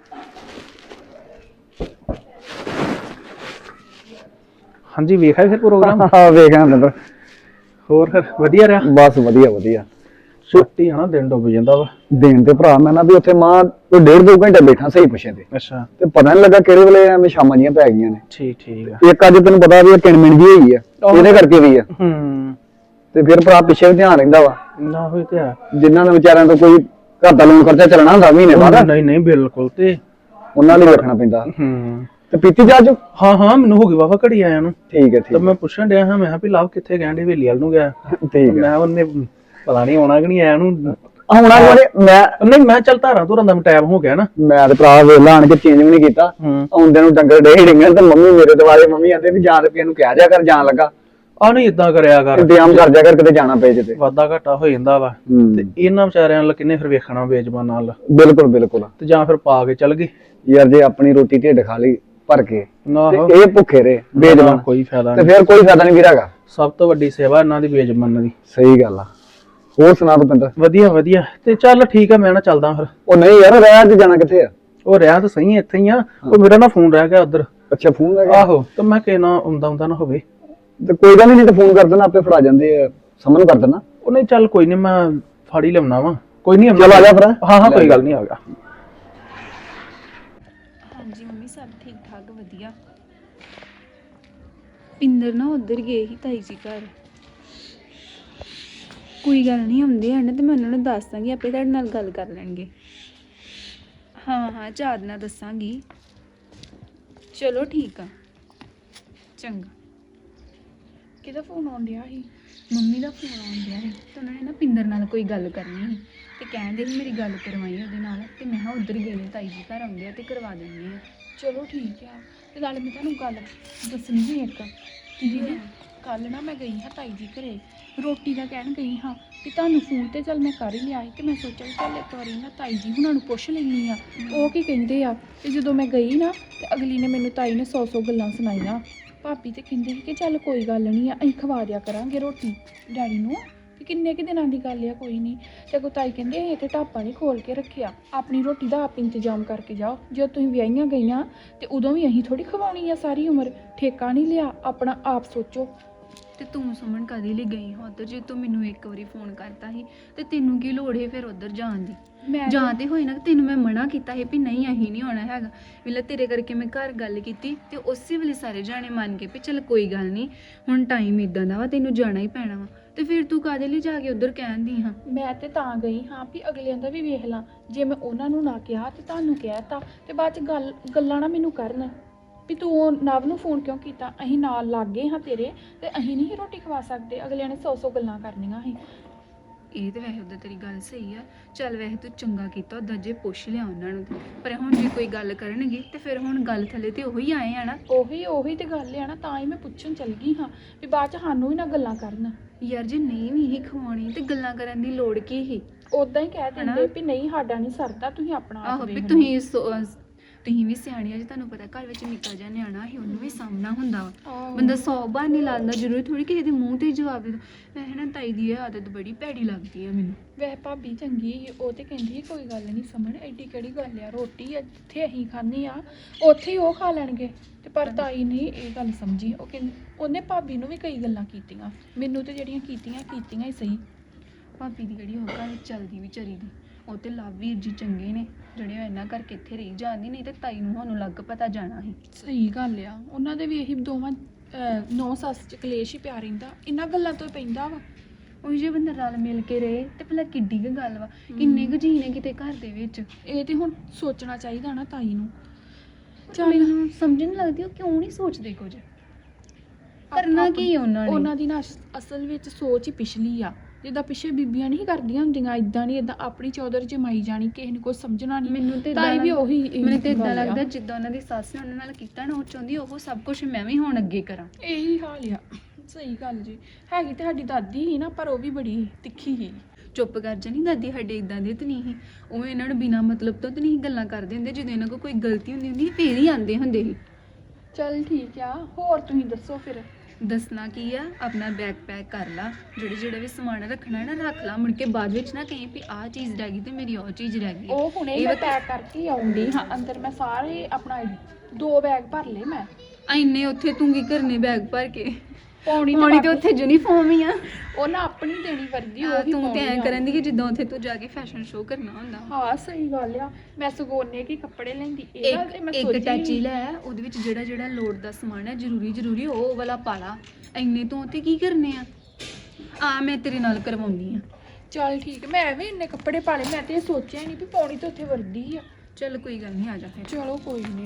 B: ਹਾਂਜੀ ਵੇਖਿਆ ਫਿਰ ਪ੍ਰੋਗਰਾਮ?
C: ਹਾਂ ਵੇਖਾਂ ਅੰਦਰ।
B: ਹੋਰ ਫਿਰ ਵਧੀਆ ਰਿਹਾ?
C: ਬਸ ਵਧੀਆ ਵਧੀਆ।
B: ਛੁੱਟੀ ਆ ਨਾ, ਦਿਨ ਡੁੱਬ ਜਾਂਦਾ ਵਾ।
C: ਦੇਣ ਤੇ ਭਰਾ ਮੈਂ ਨਾ ਵੀ ਉੱਥੇ ਮਾਂ ਕੋਈ 1.5-2 ਘੰਟੇ ਬੈਠਾ ਸਹੀ ਪੁੱਛੇ ਤੇ
B: ਅੱਛਾ।
C: ਤੇ ਪਤਾ ਨਹੀਂ ਲੱਗਾ ਕਿਹੜੇ ਵੇਲੇ ਐਵੇਂ ਸ਼ਾਮਾਂ ਜੀਆਂ ਪੈ ਗਈਆਂ ਨੇ।
B: ਠੀਕ ਆ।
C: ਇੱਕ ਅੱਜ ਤੈਨੂੰ ਪਤਾ ਵੀ ਕਿਣਮਿਣ ਜੀ ਹੋਈ ਆ, ਇਹਦੇ ਕਰਕੇ ਵੀ ਆ। ਤੇ ਫਿਰ ਭਰਾ ਪਿੱਛੇ ਵੀ ਧਿਆਨ ਰਹਿੰਦਾ ਵਾ
B: ਨਾ ਹੋਏ ਤੇ ਆ
C: ਜਿਨ੍ਹਾਂ ਦੇ ਵਿਚਾਰਿਆਂ ਤੋਂ ਕੋਈ ਘਰ ਦਾ ਲੋਨ ਖਰਚਾ ਚੱਲਣਾ ਹੁੰਦਾ ਮਹੀਨੇ ਬਾਅਦ,
B: ਨਹੀਂ ਬਿਲਕੁਲ। ਤੇ
C: ਉਹਨਾਂ ਲਈ ਰੱਖਣਾ ਪੈਂਦਾ। ਤੇ ਪੀਤੀ ਜਾ ਜੋ?
B: ਹਾਂ ਮੈਨੂੰ ਹੋ ਗਈ ਵਾਵਾ ਘੜੀ ਆਇਆ ਨੂੰ।
C: ਠੀਕ ਹੈ
B: ਤਾਂ ਮੈਂ ਪੁੱਛਣ ਡਿਆ ਹਾਂ, ਮੈਂ ਕਿਹਾ ਵੀ ਲਵ ਕਿੱਥੇ ਗਏ? ਹਵੇਲੀ ਵੱਲ ਨੂੰ ਗਿਆ।
C: ਠੀਕ
B: ਮੈਂ ਉਹਨੇ ਪਤਾ ਨਹੀਂ ਆਉਣਾ ਕਿ ਨਹੀਂ ਆਇਆ ਨੂੰ।
C: ਹੁਣ
B: ਮੈਂ ਚੱਲ ਧਾਰਾਂ ਧੁਰਾਂ ਦਾ ਟਾਈਮ ਹੋ ਗਿਆ ਨਾ।
C: ਮੈਂ ਤੇ ਭਰਾ ਵੇਲਾ ਆਣ ਕੇ ਚੇਂਜ ਵੀ ਨਹੀਂ ਕੀਤਾ। ਆਉਂਦੇ ਨੂੰ ਡੰਗਰ ਡੇ ਡਿੰਗਣ ਤੇ ਮੰਮੀ ਮੇਰੇ ਦੁਆਲੇ ਮੰਮੀ ਆਂਦੇ ਵੀ ਜਾਣ ਰੁਪਏ ਨੂੰ ਕਹਿ ਜਾ ਕਰ, ਜਾਣ ਲੱਗਾ
B: ਆ ਨਹੀਂ ਇਦਾਂ ਕਰਿਆ ਕਰ,
C: ਇੰਤਜ਼ਾਮ ਕਰ ਜਾ ਕਰ, ਕਿਤੇ ਜਾਣਾ ਪਏ ਜੇ ਤੇ
B: ਵਾਧਾ ਘਾਟਾ ਹੋ ਜਾਂਦਾ ਵਾ। ਤੇ ਇਹਨਾਂ ਵਿਚਾਰਿਆਂ ਨਾਲ ਕਿੰਨੇ ਫਿਰ ਵੇਖਣਾ ਬੇਜ਼ਬਾਨ ਨਾਲ।
C: ਬਿਲਕੁਲ
B: ਤੇ ਜਾਂ ਫਿਰ ਪਾ ਕੇ ਚੱਲ ਗਏ
C: ਯਾਰ, ਜੇ ਆਪਣੀ ਰੋਟੀ ਢਿੱਡ ਖਾ ਲਈ ਭਰ ਕੇ
B: ਨਾ,
C: ਤੇ ਇਹ ਭੁੱਖੇ ਰਹੇ ਬੇਜ਼ਬਾਨ,
B: ਕੋਈ ਫਾਇਦਾ
C: ਤੇ
B: ਨਹੀਂ।
C: ਫਿਰ ਕੋਈ ਫਾਇਦਾ ਨਹੀਂ ਵੀਰ ਹੈਗਾ।
B: ਸਭ ਤੋਂ ਵੱਡੀ ਸੇਵਾ ਇਹਨਾਂ ਦੀ ਬੇਜ਼ਬਾਨਾਂ ਦੀ।
C: ਸਹੀ ਗੱਲ ਆ। ਹੋਰ ਸੁਣਾ ਰੁਪਿੰਦਰ?
B: ਵਧੀਆ ਤੇ ਚੱਲ ਠੀਕ ਆ, ਮੈਂ ਨਾ ਚੱਲਦਾ ਫਿਰ।
C: ਉਹ ਨਹੀਂ ਯਾਰ, ਰਹਿ ਅੱਜ ਜਾਣਾ ਕਿੱਥੇ ਆ?
B: ਉਹ ਰਿਹਾ ਤਾਂ ਸਹੀ ਇੱਥੇ ਹੀ ਆ, ਉਹ ਮੇਰਾ ਨਾ ਫੋਨ ਰਹਿ ਗਿਆ ਉਧਰ।
C: ਅੱਛਾ ਫੋਨ ਰਹਿ ਗਿਆ?
B: ਆਹੋ, ਤੇ ਮੈਂ ਕਿਹਾ ਨਾ ਆਉਂਦਾ ਨਾ ਹੋਵੇ।
C: ਤੇ ਕੋਈ ਗੱਲ ਨਹੀਂ, ਤੇ ਫੋਨ ਕਰ ਦੇਣਾ, ਆਪੇ ਫੜਾ ਜਾਂਦੇ ਆ, ਸਮਝ ਕਰ ਦੇਣਾ।
B: ਉਹ ਨਹੀਂ ਚੱਲ ਕੋਈ ਨਹੀਂ, ਮੈਂ ਫੜ ਹੀ ਲਿਆਉਣਾ ਵਾ। ਕੋਈ ਨਹੀਂ
C: ਚੱਲ ਆ ਜਾ ਫਿਰ।
B: ਹਾਂ ਕੋਈ ਗੱਲ ਨਹੀਂ, ਆ ਗਿਆ।
D: ਹਾਂਜੀ ਮੰਮੀ ਸਭ ਠੀਕ ਠਾਕ ਵਧੀਆ। ਪਿੰਦਰ ਨਾ ਉੱਧਰ ਗਏ ਸੀ ਤਾਈ ਜੀ ਘਰ। ਕੋਈ ਗੱਲ ਨਹੀਂ, ਆਉਂਦੇ ਹਨ ਤੇ ਮੈਂ ਉਹਨਾਂ ਨੂੰ ਦੱਸ ਦਾਂਗੀ, ਆਪੇ ਤੁਹਾਡੇ ਨਾਲ ਗੱਲ ਕਰ ਲੈਣਗੇ। ਹਾਂ ਚਾਹ ਨਾਲ ਦੱਸਾਂਗੀ। ਚਲੋ ਠੀਕ ਆ, ਚੰਗਾ।
A: ਕਿਹਦਾ ਫੋਨ ਆਉਣ ਡਿਆ ਸੀ?
D: ਮੰਮੀ ਦਾ ਫੋਨ ਆਉਣ ਡਿਆ ਸੀ ਤੇ ਉਹਨਾਂ ਨੇ ਨਾ ਪਿੰਦਰ ਨਾਲ ਕੋਈ ਗੱਲ ਕਰਨੀ ਸੀ ਤੇ ਕਹਿੰਦੇ ਸੀ ਮੇਰੀ ਗੱਲ ਕਰਵਾਈ ਉਹਦੇ ਨਾਲ। ਤੇ ਮੈਂ ਕਿਹਾ ਉੱਧਰ ਗਏ ਨੇ ਤਾਈ ਜੀ ਘਰ, ਆਉਂਦੇ ਆ ਤੇ ਕਰਵਾ ਦਿੰਦੀ ਆ।
A: ਚਲੋ ਠੀਕ ਆ। ਤੇ ਨਾਲੇ ਮੈਂ ਤੁਹਾਨੂੰ ਗੱਲ ਦੱਸਣੀ ਸੀ ਇੱਕ। ਦੀਦੀ ਕੱਲ ਨਾ ਮੈਂ ਗਈ ਹਾਂ ਤਾਈ ਜੀ ਘਰੇ, ਰੋਟੀ ਦਾ ਕਹਿਣ ਗਈ ਹਾਂ ਕਿ ਤੁਹਾਨੂੰ ਫੋਨ ਤੇ ਚੱਲ ਮੈਂ ਕਰ ਹੀ ਲਿਆ ਸੀ, ਤੇ ਮੈਂ ਸੋਚਿਆ ਵੀ ਚੱਲ ਇੱਕ ਵਾਰੀ ਨਾ ਤਾਈ ਜੀ ਹੁਣਾਂ ਨੂੰ ਪੁੱਛ ਲੈਂਦੀ ਆ ਉਹ ਕੀ ਕਹਿੰਦੇ ਆ। ਤੇ ਜਦੋਂ ਮੈਂ ਗਈ ਨਾ ਤੇ ਅਗਲੀ ਨੇ ਮੈਨੂੰ ਤਾਈ ਨੇ 100 ਗੱਲਾਂ ਸੁਣਾਈਆਂ। ਭਾਬੀ ਤੇ ਕਹਿੰਦੇ ਸੀ ਕਿ ਚੱਲ ਕੋਈ ਗੱਲ ਨਹੀਂ ਆ, ਅਸੀਂ ਖਵਾ ਦਿਆ ਕਰਾਂਗੇ ਰੋਟੀ ਡੈਡੀ ਨੂੰ, ਕਿ ਕਿੰਨੇ ਕੁ ਦਿਨਾਂ ਦੀ ਗੱਲ ਆ, ਕੋਈ ਨਹੀਂ। ਤੇ ਅੱਗੋਂ ਤਾਈ ਕਹਿੰਦੇ ਅਸੀਂ ਇੱਥੇ ਢਾਬਾ ਨਹੀਂ ਖੋਲ ਕੇ ਰੱਖਿਆ, ਆਪਣੀ ਰੋਟੀ ਦਾ ਆਪ ਇੰਤਜ਼ਾਮ ਕਰਕੇ ਜਾਓ। ਜਦੋਂ ਤੁਸੀਂ ਵਿਆਹੀਆਂ ਗਈਆਂ ਤੇ ਉਦੋਂ ਵੀ ਅਸੀਂ ਥੋੜੀ ਖਵਾਉਣੀ ਆ ਸਾਰੀ ਉਮਰ, ਠੇਕਾ ਨਹੀਂ ਲਿਆ, ਆਪਣਾ ਆਪ ਸੋਚੋ।
D: ਤੇ ਤੂੰ ਸੁਮਨ ਕਦੇ ਲਈ ਗਈ ਹਾਂ ਉੱਧਰ? ਜੇ ਤੂੰ ਮੈਨੂੰ ਇੱਕ ਵਾਰੀ ਫੋਨ ਕਰਤਾ ਸੀ ਤੇ ਤੈਨੂੰ ਕੀ ਲੋੜ ਹੈ ਫਿਰ ਉੱਧਰ ਜਾਣ ਦੀ?
A: ਮੈਂ
D: ਜਾਂ ਤੇ ਹੋਈ ਨਾ, ਤੈਨੂੰ ਮੈਂ ਮਨਾ ਕੀਤਾ ਸੀ ਵੀ ਨਹੀਂ ਅਸੀਂ ਨਹੀਂ ਆਉਣਾ ਹੈਗਾ। ਵੇਲੇ ਤੇਰੇ ਕਰਕੇ ਮੈਂ ਘਰ ਗੱਲ ਕੀਤੀ ਤੇ ਉਸੇ ਵੇਲੇ ਸਾਰੇ ਜਾਣੇ ਮੰਨ ਗਏ ਵੀ ਚੱਲ ਕੋਈ ਗੱਲ ਨਹੀਂ, ਹੁਣ ਟਾਈਮ ਇਦਾਂ ਦਾ ਵਾ, ਤੈਨੂੰ ਜਾਣਾ ਹੀ ਪੈਣਾ ਵਾ। ਤੇ ਫਿਰ ਤੂੰ ਕਾਹਦੇ ਲਈ ਜਾ ਕੇ ਉੱਧਰ ਕਹਿੰਦੀ ਹਾਂ?
A: ਮੈਂ ਤੇ ਤਾਂ ਗਈ ਹਾਂ ਵੀ ਅਗਲਿਆਂ ਦਾ ਵੀ ਵੇਖ ਲਾਂ, ਜੇ ਮੈਂ ਉਹਨਾਂ ਨੂੰ ਨਾ ਕਿਹਾ ਤੇ ਤੁਹਾਨੂੰ ਕਹਿਤਾ ਤੇ ਬਾਅਦ ਚ ਗੱਲਾਂ ਨਾ ਮੈਨੂੰ ਕਰਨ। ਵੀ ਤੂੰ ਨਵ ਨੂੰ ਫੋਨ ਕਿਉਂ ਕੀਤਾ, ਅਸੀਂ ਨਾਲ ਲੱਗ ਗਏ ਹਾਂ ਤੇਰੇ ਤੇ ਅਸੀਂ ਨਹੀਂ ਰੋਟੀ ਖਵਾ ਸਕਦੇ, ਅਗਲਿਆਂ ਨੇ 100 ਗੱਲਾਂ ਕਰਨੀਆਂ ਸੀ।
D: ਇਹ ਤੇ ਵੈਸੇ ਉਦਾਂ ਤੇਰੀ ਗੱਲ ਸਹੀ ਆ। ਚੱਲ ਵੈਸੇ ਤੂੰ ਚੰਗਾ ਕੀਤਾ ਉਦਾਂ ਜੇ ਪੁੱਛ ਲਿਆ ਉਹਨਾਂ ਨੂੰ ਤੇ। ਪਰ ਹੁਣ ਜੇ ਕੋਈ ਗੱਲ ਕਰਨਗੇ ਤੇ ਫਿਰ ਹੁਣ ਗੱਲ ਥੱਲੇ ਤੇ ਉਹੀ ਆਏ ਆ ਨਾ।
A: ਉਹੀ ਤੇ ਗੱਲ ਆ ਨਾ, ਤਾਂ ਹੀ ਮੈਂ ਪੁੱਛਣ ਚੱਲ ਗਈ ਹਾਂ ਵੀ ਬਾਅਦ ਚ ਸਾਨੂੰ ਵੀ ਨਾ ਗੱਲਾਂ ਕਰਨ।
D: ਯਾਰ ਜੇ ਨਹੀਂ ਵੀ ਇਹ ਖਵਾਉਣੀ ਤੇ ਗੱਲਾਂ ਕਰਨ ਦੀ ਲੋੜ ਕੀ ਸੀ?
A: ਉਦਾਂ ਹੀ ਕਹਿ ਦਿੰਦੇ ਵੀ ਨਹੀਂ ਸਾਡਾ ਨਹੀਂ ਸਰਦਾ, ਤੁਸੀਂ ਆਪਣਾ
D: ਆਹੋ
A: ਆਪ
D: ਵੀ
A: ਵੇਖ ਲਓ।
D: ਤੁਸੀਂ ਵੀ ਸਿਆਣੀ ਆ ਜੀ, ਤੁਹਾਨੂੰ ਪਤਾ ਘਰ ਵਿੱਚ ਨਿੱਕਾ ਜਿਹਾ ਨਿਆਣਾ ਸੀ, ਉਹਨੂੰ ਵੀ ਸਾਹਮਣਾ ਹੁੰਦਾ ਵਾ।
A: ਆਹੋ।
D: ਬੰਦਾ 100 ਬਹਾਨੇ ਲਾਉਂਦਾ, ਜ਼ਰੂਰੀ ਥੋੜੀ ਕਿਸੇ ਦੇ ਮੂੰਹ ਤੇ ਹੀ ਜਵਾਬ ਦੇ ਦੋ। ਵੈਸੇ ਨਾ ਤਾਈ ਦੀ ਇਹ ਆਦਤ ਬੜੀ ਭੈੜੀ ਲੱਗਦੀ ਆ ਮੈਨੂੰ।
A: ਵੈਸੇ ਭਾਬੀ ਚੰਗੀ ਸੀ, ਉਹ ਤੇ ਕਹਿੰਦੀ ਸੀ ਕੋਈ ਗੱਲ ਨਹੀਂ ਸਮਣ, ਐਡੀ ਕਿਹੜੀ ਗੱਲ ਆ, ਰੋਟੀ ਆ ਜਿੱਥੇ ਅਸੀਂ ਖਾਂਦੇ ਆ ਉੱਥੇ ਹੀ ਉਹ ਖਾ ਲੈਣਗੇ। ਤੇ ਪਰ ਤਾਈ ਨੇ ਇਹ ਗੱਲ ਸਮਝੀ, ਉਹ ਕਹਿੰਦੀ ਉਹਨੇ ਭਾਬੀ ਨੂੰ ਵੀ ਕਈ ਗੱਲਾਂ ਕੀਤੀਆਂ, ਮੈਨੂੰ ਤੇ ਜਿਹੜੀਆਂ ਕੀਤੀਆਂ ਹੀ ਸਹੀ।
D: ਭਾਬੀ ਦੀ ਜਿਹੜੀ ਉਹ ਘਰ ਵਿੱਚ ਚੱਲਦੀ ਵਿਚਾਰੀ ਦੀ, ਉਹ ਤੇ ਲਵਵੀਰ ਜੀ ਚੰਗੇ ਨੇ ਜਿਹੜੇ ਉਹ ਇਹਨਾਂ ਕਰਕੇ ਇੱਥੇ ਰਹੀ ਜਾਂਦੀ, ਨਹੀਂ ਤੇ ਤਾਈ ਨੂੰ ਸਾਨੂੰ ਲੱਗ ਪਤਾ ਜਾਣਾ ਸੀ।
A: ਸਹੀ ਗੱਲ ਆ, ਉਹਨਾਂ ਦੇ ਵੀ ਇਹੀ ਦੋਵਾਂ ਨੌ ਸੱਸ ਚ ਕਲੇਸ਼ ਹੀ ਪਿਆ ਰਹਿੰਦਾ, ਇਹਨਾਂ ਗੱਲਾਂ ਤੋਂ ਹੀ ਪੈਂਦਾ ਵਾ।
D: ਉਹ ਜੇ ਬੰਦਾ ਰਲ ਮਿਲ ਕੇ ਰਹੇ ਤੇ ਭਲਾ ਕਿੱਡੀ ਕੁ ਗੱਲ ਵਾ, ਕਿੰਨੇ ਕੁ ਜੀ ਨੇ ਕਿਤੇ ਘਰ ਦੇ ਵਿੱਚ।
A: ਇਹ ਤੇ ਹੁਣ ਸੋਚਣਾ ਚਾਹੀਦਾ ਨਾ ਤਾਈ ਨੂੰ।
D: ਮੈਨੂੰ ਸਮਝ ਨਹੀਂ ਲੱਗਦੀ ਉਹ ਕਿਉਂ ਨਹੀਂ ਸੋਚਦੇ ਕੁਝ। ਕਰਨਾ ਕੀ ਆ ਉਹਨਾਂ ਨੇ?
A: ਉਹਨਾਂ ਦੀ ਨਾ ਅਸਲ ਵਿੱਚ ਸੋਚ ਹੀ ਪਿਛਲੀ ਆ, ਜਿੱਦਾਂ ਪਿੱਛੇ ਬੀਬੀਆਂ ਨਹੀਂ ਕਰਦੀਆਂ ਹੁੰਦੀਆਂ, ਇਦਾਂ ਨਹੀਂ, ਇਦਾਂ ਆਪਣੀ ਚੌਧਰ ਜਮਾਈ ਜਾਣੀ, ਕਿਸੇ ਨੇ ਕੁਝ ਸਮਝਣਾ ਨਹੀਂ।
D: ਮੈਨੂੰ ਤੇ
A: ਤਾਈ ਵੀ ਉਹੀ
D: ਮੈਨੂੰ ਤੇ ਇਦਾਂ
A: ਗੱਲ ਆ।
D: ਲੱਗਦਾ ਜਿੱਦਾਂ ਉਹਨਾਂ ਦੀ ਸੱਸ ਨੇ ਉਹਨਾਂ ਨਾਲ ਕੀਤਾ ਨਾ, ਉਹ ਚਾਹੁੰਦੀ ਉਹ ਸਭ ਕੁਝ ਮੈਂ ਵੀ ਹੁਣ ਅੱਗੇ ਕਰਾਂ।
A: ਇਹੀ ਹਾਲ ਆ। ਸਹੀ ਗੱਲ ਜੀ, ਹੈਗੀ ਤੇ ਸਾਡੀ ਦਾਦੀ ਹੀ ਨਾ, ਪਰ ਉਹ ਵੀ ਬੜੀ ਤਿੱਖੀ ਸੀ।
D: ਚੁੱਪ ਕਰ ਜਾਣੀ, ਦਾਦੀ ਸਾਡੇ ਇਦਾਂ ਦੇ ਤਾਂ ਨਹੀਂ ਸੀ। ਉਹ ਇਹਨਾਂ ਨੂੰ ਬਿਨਾਂ ਮਤਲਬ ਤੋਂ ਤਾਂ ਨਹੀਂ ਗੱਲਾਂ ਕਰਦੇ ਹੁੰਦੇ, ਜਦੋਂ ਇਹਨਾਂ ਕੋਲ ਕੋਈ ਗਲਤੀ ਹੁੰਦੀ ਫੇਰ ਹੀ ਆਉਂਦੇ ਹੁੰਦੇ ਸੀ।
A: ਚੱਲ ਠੀਕ ਆ, ਹੋਰ ਤੁਸੀਂ ਦੱਸੋ ਫਿਰ।
D: ਦੱਸਣਾ ਕੀ ਆ, ਆਪਣਾ ਬੈਗ ਪੈਕ ਕਰ ਲਾ, ਜਿਹੜਾ ਵੀ ਸਮਾਨ ਰੱਖਣਾ ਹੈ ਨਾ ਰੱਖ ਲਾ, ਮੁੜ ਕੇ ਬਾਅਦ ਵਿੱਚ ਨਾ ਕਹੀਂ ਵੀ ਆਹ ਚੀਜ਼ ਰਹਿ ਗਈ ਤੇ ਮੇਰੀ ਉਹ ਚੀਜ਼ ਰਹਿ ਗਈ।
A: ਉਹ ਹੁਣੇ
D: ਇਹ
A: ਮੈਂ
D: ਵਕਤ-
A: ਪੈਕ ਕਰਕੇ ਆਉਂਦੀ ਹਾਂ ਅੰਦਰ, ਮੈਂ ਸਾਰੇ ਆਪਣਾ 2 ਬੈਗ ਭਰ ਲਏ ਮੈਂ।
D: ਇੰਨੇ ਉੱਥੇ ਤੂੰ ਕੀ ਕਰਨੇ ਬੈਗ ਭਰ ਕੇ?
A: ਪੌਣੀ
D: ਪਾਉਣੀ ਤੇ ਉੱਥੇ ਯੂਨੀਫਾਰਮ ਹੀ ਆ।
A: ਉਹ ਨਾ ਆਪਣੀ ਦੇਣੀ ਵਰਦੀ, ਉਹ ਹੀ
D: ਤੂੰ ਤੇ ਐਂ
A: ਪਾਉਣੀ ਆ।
D: ਕਰਨ ਦੀ ਕਿ ਜਿੱਦਾਂ ਉੱਥੇ ਤੂੰ ਜਾ ਕੇ ਫੈਸ਼ਨ ਸ਼ੋਅ ਕਰਨਾ ਹੁੰਦਾ।
A: ਹਾਂ ਸਹੀ ਗੱਲ ਆ, ਮੈਂ ਸਗੋਨੇ ਕੀ ਕੱਪੜੇ ਲੈਂਦੀ, ਇਹ ਗੱਲ ਤੇ ਮੈਂ
D: ਇੱਕ
A: ਸੋਚੀ
D: ਟੈਚੀ ਲੈ, ਉਹਦੇ ਵਿੱਚ ਜਿਹੜਾ ਲੋੜ ਦਾ ਸਮਾਨ ਹੈ ਜ਼ਰੂਰੀ ਉਹ ਵਾਲਾ ਪਾ ਲਾ। ਇੰਨੇ ਤੋਂ ਤੇ ਕੀ ਕਰਨੇ ਆ ਮੈਂ ਤੇਰੇ ਨਾਲ ਕਰਵਾਉਣੀ ਆ।
A: ਚੱਲ ਠੀਕ, ਮੈਂ ਵੀ ਇੰਨੇ ਕੱਪੜੇ ਪਾ ਲਏ, ਮੈਂ ਤੇ ਇਹ ਸੋਚਿਆ ਨਹੀਂ ਵੀ ਪੌਣੀ ਤੇ ਉੱਥੇ ਵਰਦੀ ਆ।
D: ਚੱਲ ਕੋਈ ਗੱਲ ਨਹੀਂ, ਆ ਜਾ ਫਿਰ।
A: ਚਲੋ ਕੋਈ ਨਹੀਂ।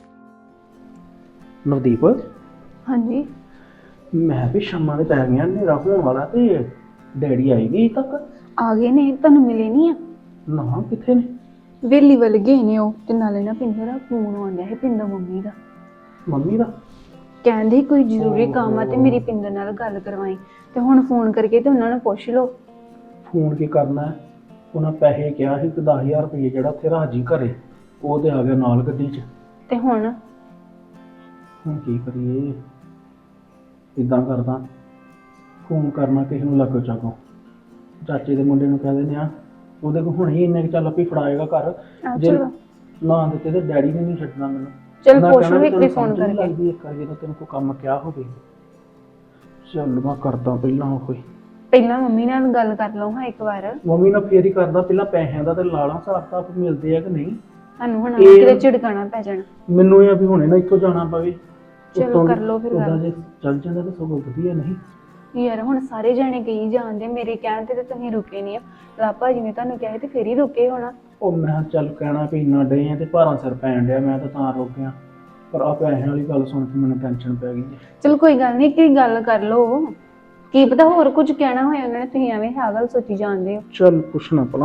B: ਨਵਦੀਪ,
D: ਹਾਂਜੀ
B: ਮੈਂ ਵੀ ਸ਼ਾਮਾਂ ਦੇ ਪੈ ਗਈਆਂ, ਹਨੇਰਾ ਹੋਣ ਵਾਲਾ ਤੇ ਡੈਡੀ ਆਏ ਗਏ ਤੱਕ?
D: ਆ ਗਏ ਨੇ, ਤੁਹਾਨੂੰ ਮਿਲੇ ਨਹੀਂ ਆ?
B: ਨਾ ਕਿੱਥੇ ਨੇ?
D: ਵੇਲੀ ਵੱਲ ਗਏ ਨੇ ਉਹ, ਤੇ ਨਾਲੇ ਨਾ ਪਿੰਦਰ ਦਾ ਫੋਨ ਆਉਂਦਾ ਹੈ, ਪਿੰਦਰ ਮੰਮੀ ਦਾ।
B: ਮੰਮੀ ਦਾ?
D: ਕਹਿੰਦੇ ਕੋਈ ਜ਼ਰੂਰੀ ਕੰਮ ਆ ਤੇ ਮੇਰੀ ਪਿੰਦਰ ਨਾਲ ਗੱਲ ਕਰਵਾਈ, ਤੇ ਹੁਣ ਫੋਨ ਕਰਕੇ ਤੇ ਉਹਨਾਂ ਨੂੰ ਪੁੱਛ ਲਓ।
B: ਫੋਨ ਕੀ ਕਰਨਾ ਹੈ? ਉਹਨਾਂ ਪੈਸੇ ਕਿਹਾ ਸੀ ਕਿ 10,000 ਰੁਪਏ ਜਿਹੜਾ ਉੱਥੇ ਰਾਜੀ ਘਰੇ, ਉਹ ਤੇ ਆ ਗਿਆ ਨਾਲ ਗੱਡੀ 'ਚ।
D: ਤੇ ਹੁਣ
B: ਕੀ ਕਰੀਏ? ਇਦਾਂ ਕਰਦਾ, ਫੋਨ ਕਰਨਾ ਕਿਸੇ ਨੂੰ ਲੱਗੋ ਚਾਹੋ, ਚਾਚੇ ਦੇ ਮੁੰਡੇ ਨੂੰ ਕਹਿ ਦਿੰਦੇ ਆ, ਉਹਦੇ ਕੋਲ ਹੁਣੇ ਹੀ ਇੰਨੇ ਕੁ ਚੱਲ ਵੀ ਫੜਾਏਗਾ ਘਰ, ਜੇ ਨਾ ਦਿੱਤੇ ਤੇ ਡੈਡੀ ਨੇ ਨਹੀਂ ਛੱਡਣਾ ਮੈਨੂੰ।
D: ਚਲ
B: ਮੈਂ
D: ਪੁੱਛ
B: ਕਹਿਣਾ
D: ਲਓ
B: ਵੀ
D: ਇੱਕ ਵਾਰੀ
B: ਤੈਨੂੰ
D: ਫੋਨ
B: ਸਮਝ ਨੀ
D: ਕਰਕੇ।
B: ਲੱਗਦੀ ਇੱਕ ਵਾਰ ਜਦੋਂ ਤੈਨੂੰ ਕੋਈ ਕੰਮ ਕਿਹਾ ਹੋਵੇ। ਚੱਲ ਮੈਂ ਕਰਦਾ ਪਹਿਲਾਂ ਕੋਈ,
D: ਪਹਿਲਾਂ ਮੰਮੀ ਨਾਲ ਗੱਲ ਕਰ ਲਓ ਹਾਂ ਇੱਕ ਵਾਰ।
B: ਮੰਮੀ ਨਾਲ ਫੇਰ ਹੀ ਕਰਦਾ, ਪਹਿਲਾਂ ਪੈਸਿਆਂ ਦਾ ਤੇ ਲਾਲਾ ਹਿਸਾਬ ਕਿਤਾਬ ਮਿਲਦੇ ਆ ਕਿ ਨਹੀਂ।
D: ਸਾਨੂੰ ਹੁਣ
B: ਇਹ-
D: ਕਿਤੇ ਝਿੜਕਾਣਾ ਪੈ ਜਾਣਾ।
B: ਮੈਨੂੰ ਇਹ ਆ ਵੀ ਹੁਣੇ ਨਾ ਇੱਥੋਂ ਜਾਣਾ ਪਵੇ।
D: ਚਲੋ
B: ਉੱਤੋਂ
D: ਕਰ ਲਓ ਫਿਰ
B: ਉੱਦਾਂ
D: ਗੱਲ।
B: ਜੇ ਚੱਲ ਜਾਂਦਾ ਤਾਂ ਸਗੋਂ ਵਧੀਆ ਨਹੀਂ।
D: ਯਾਰ ਹੁਣ ਸਾਰੇ ਜਾਣੇ ਕਹੀ ਜਾਂਦੇ, ਮੇਰੇ ਕਹਿਣ ਤੇ ਤੁਸੀਂ ਰੁਕੇ ਨਹੀਂ ਆ। ਲਾਪਾ ਜੀ ਨੇ ਤੁਹਾਨੂੰ ਕਿਹਾ ਤੇ ਫੇਰ ਹੀ ਰੁਕੇ ਹੋਣਾ।
B: ਉਹ ਮੈਂ ਕਿਹਾ ਚੱਲ ਕਹਿਣਾ ਵੀ ਇੰਨਾ ਡੇ ਆ ਤੇ ਭਾਰਾਂ ਸਿਰ ਪੈਣ ਡਿਆ, ਮੈਂ ਤਾਂ ਰੁਕ ਗਿਆ। ਪਰ ਆ ਪੈਸਿਆਂ ਵਾਲੀ ਗੱਲ ਸੁਣ ਕੇ ਮੈਨੂੰ ਟੈਨਸ਼ਨ ਪੈ ਗਈ।
D: ਚਲ ਕੋਈ ਗੱਲ ਨਹੀਂ, ਕੀ ਗੱਲ ਕਰ ਲਓ, ਕੀ ਪਤਾ ਹੋਰ ਕੁਝ ਕਹਿਣਾ ਹੋਇਆ ਉਹਨਾਂ ਨੇ, ਤੁਸੀਂ ਐਵੇਂ ਆਹ ਗੱਲ ਸੋਚੀ ਜਾਂਦੇ ਹੋ।
B: ਚੱਲ ਪੁੱਛਣਾ ਭਲਾ।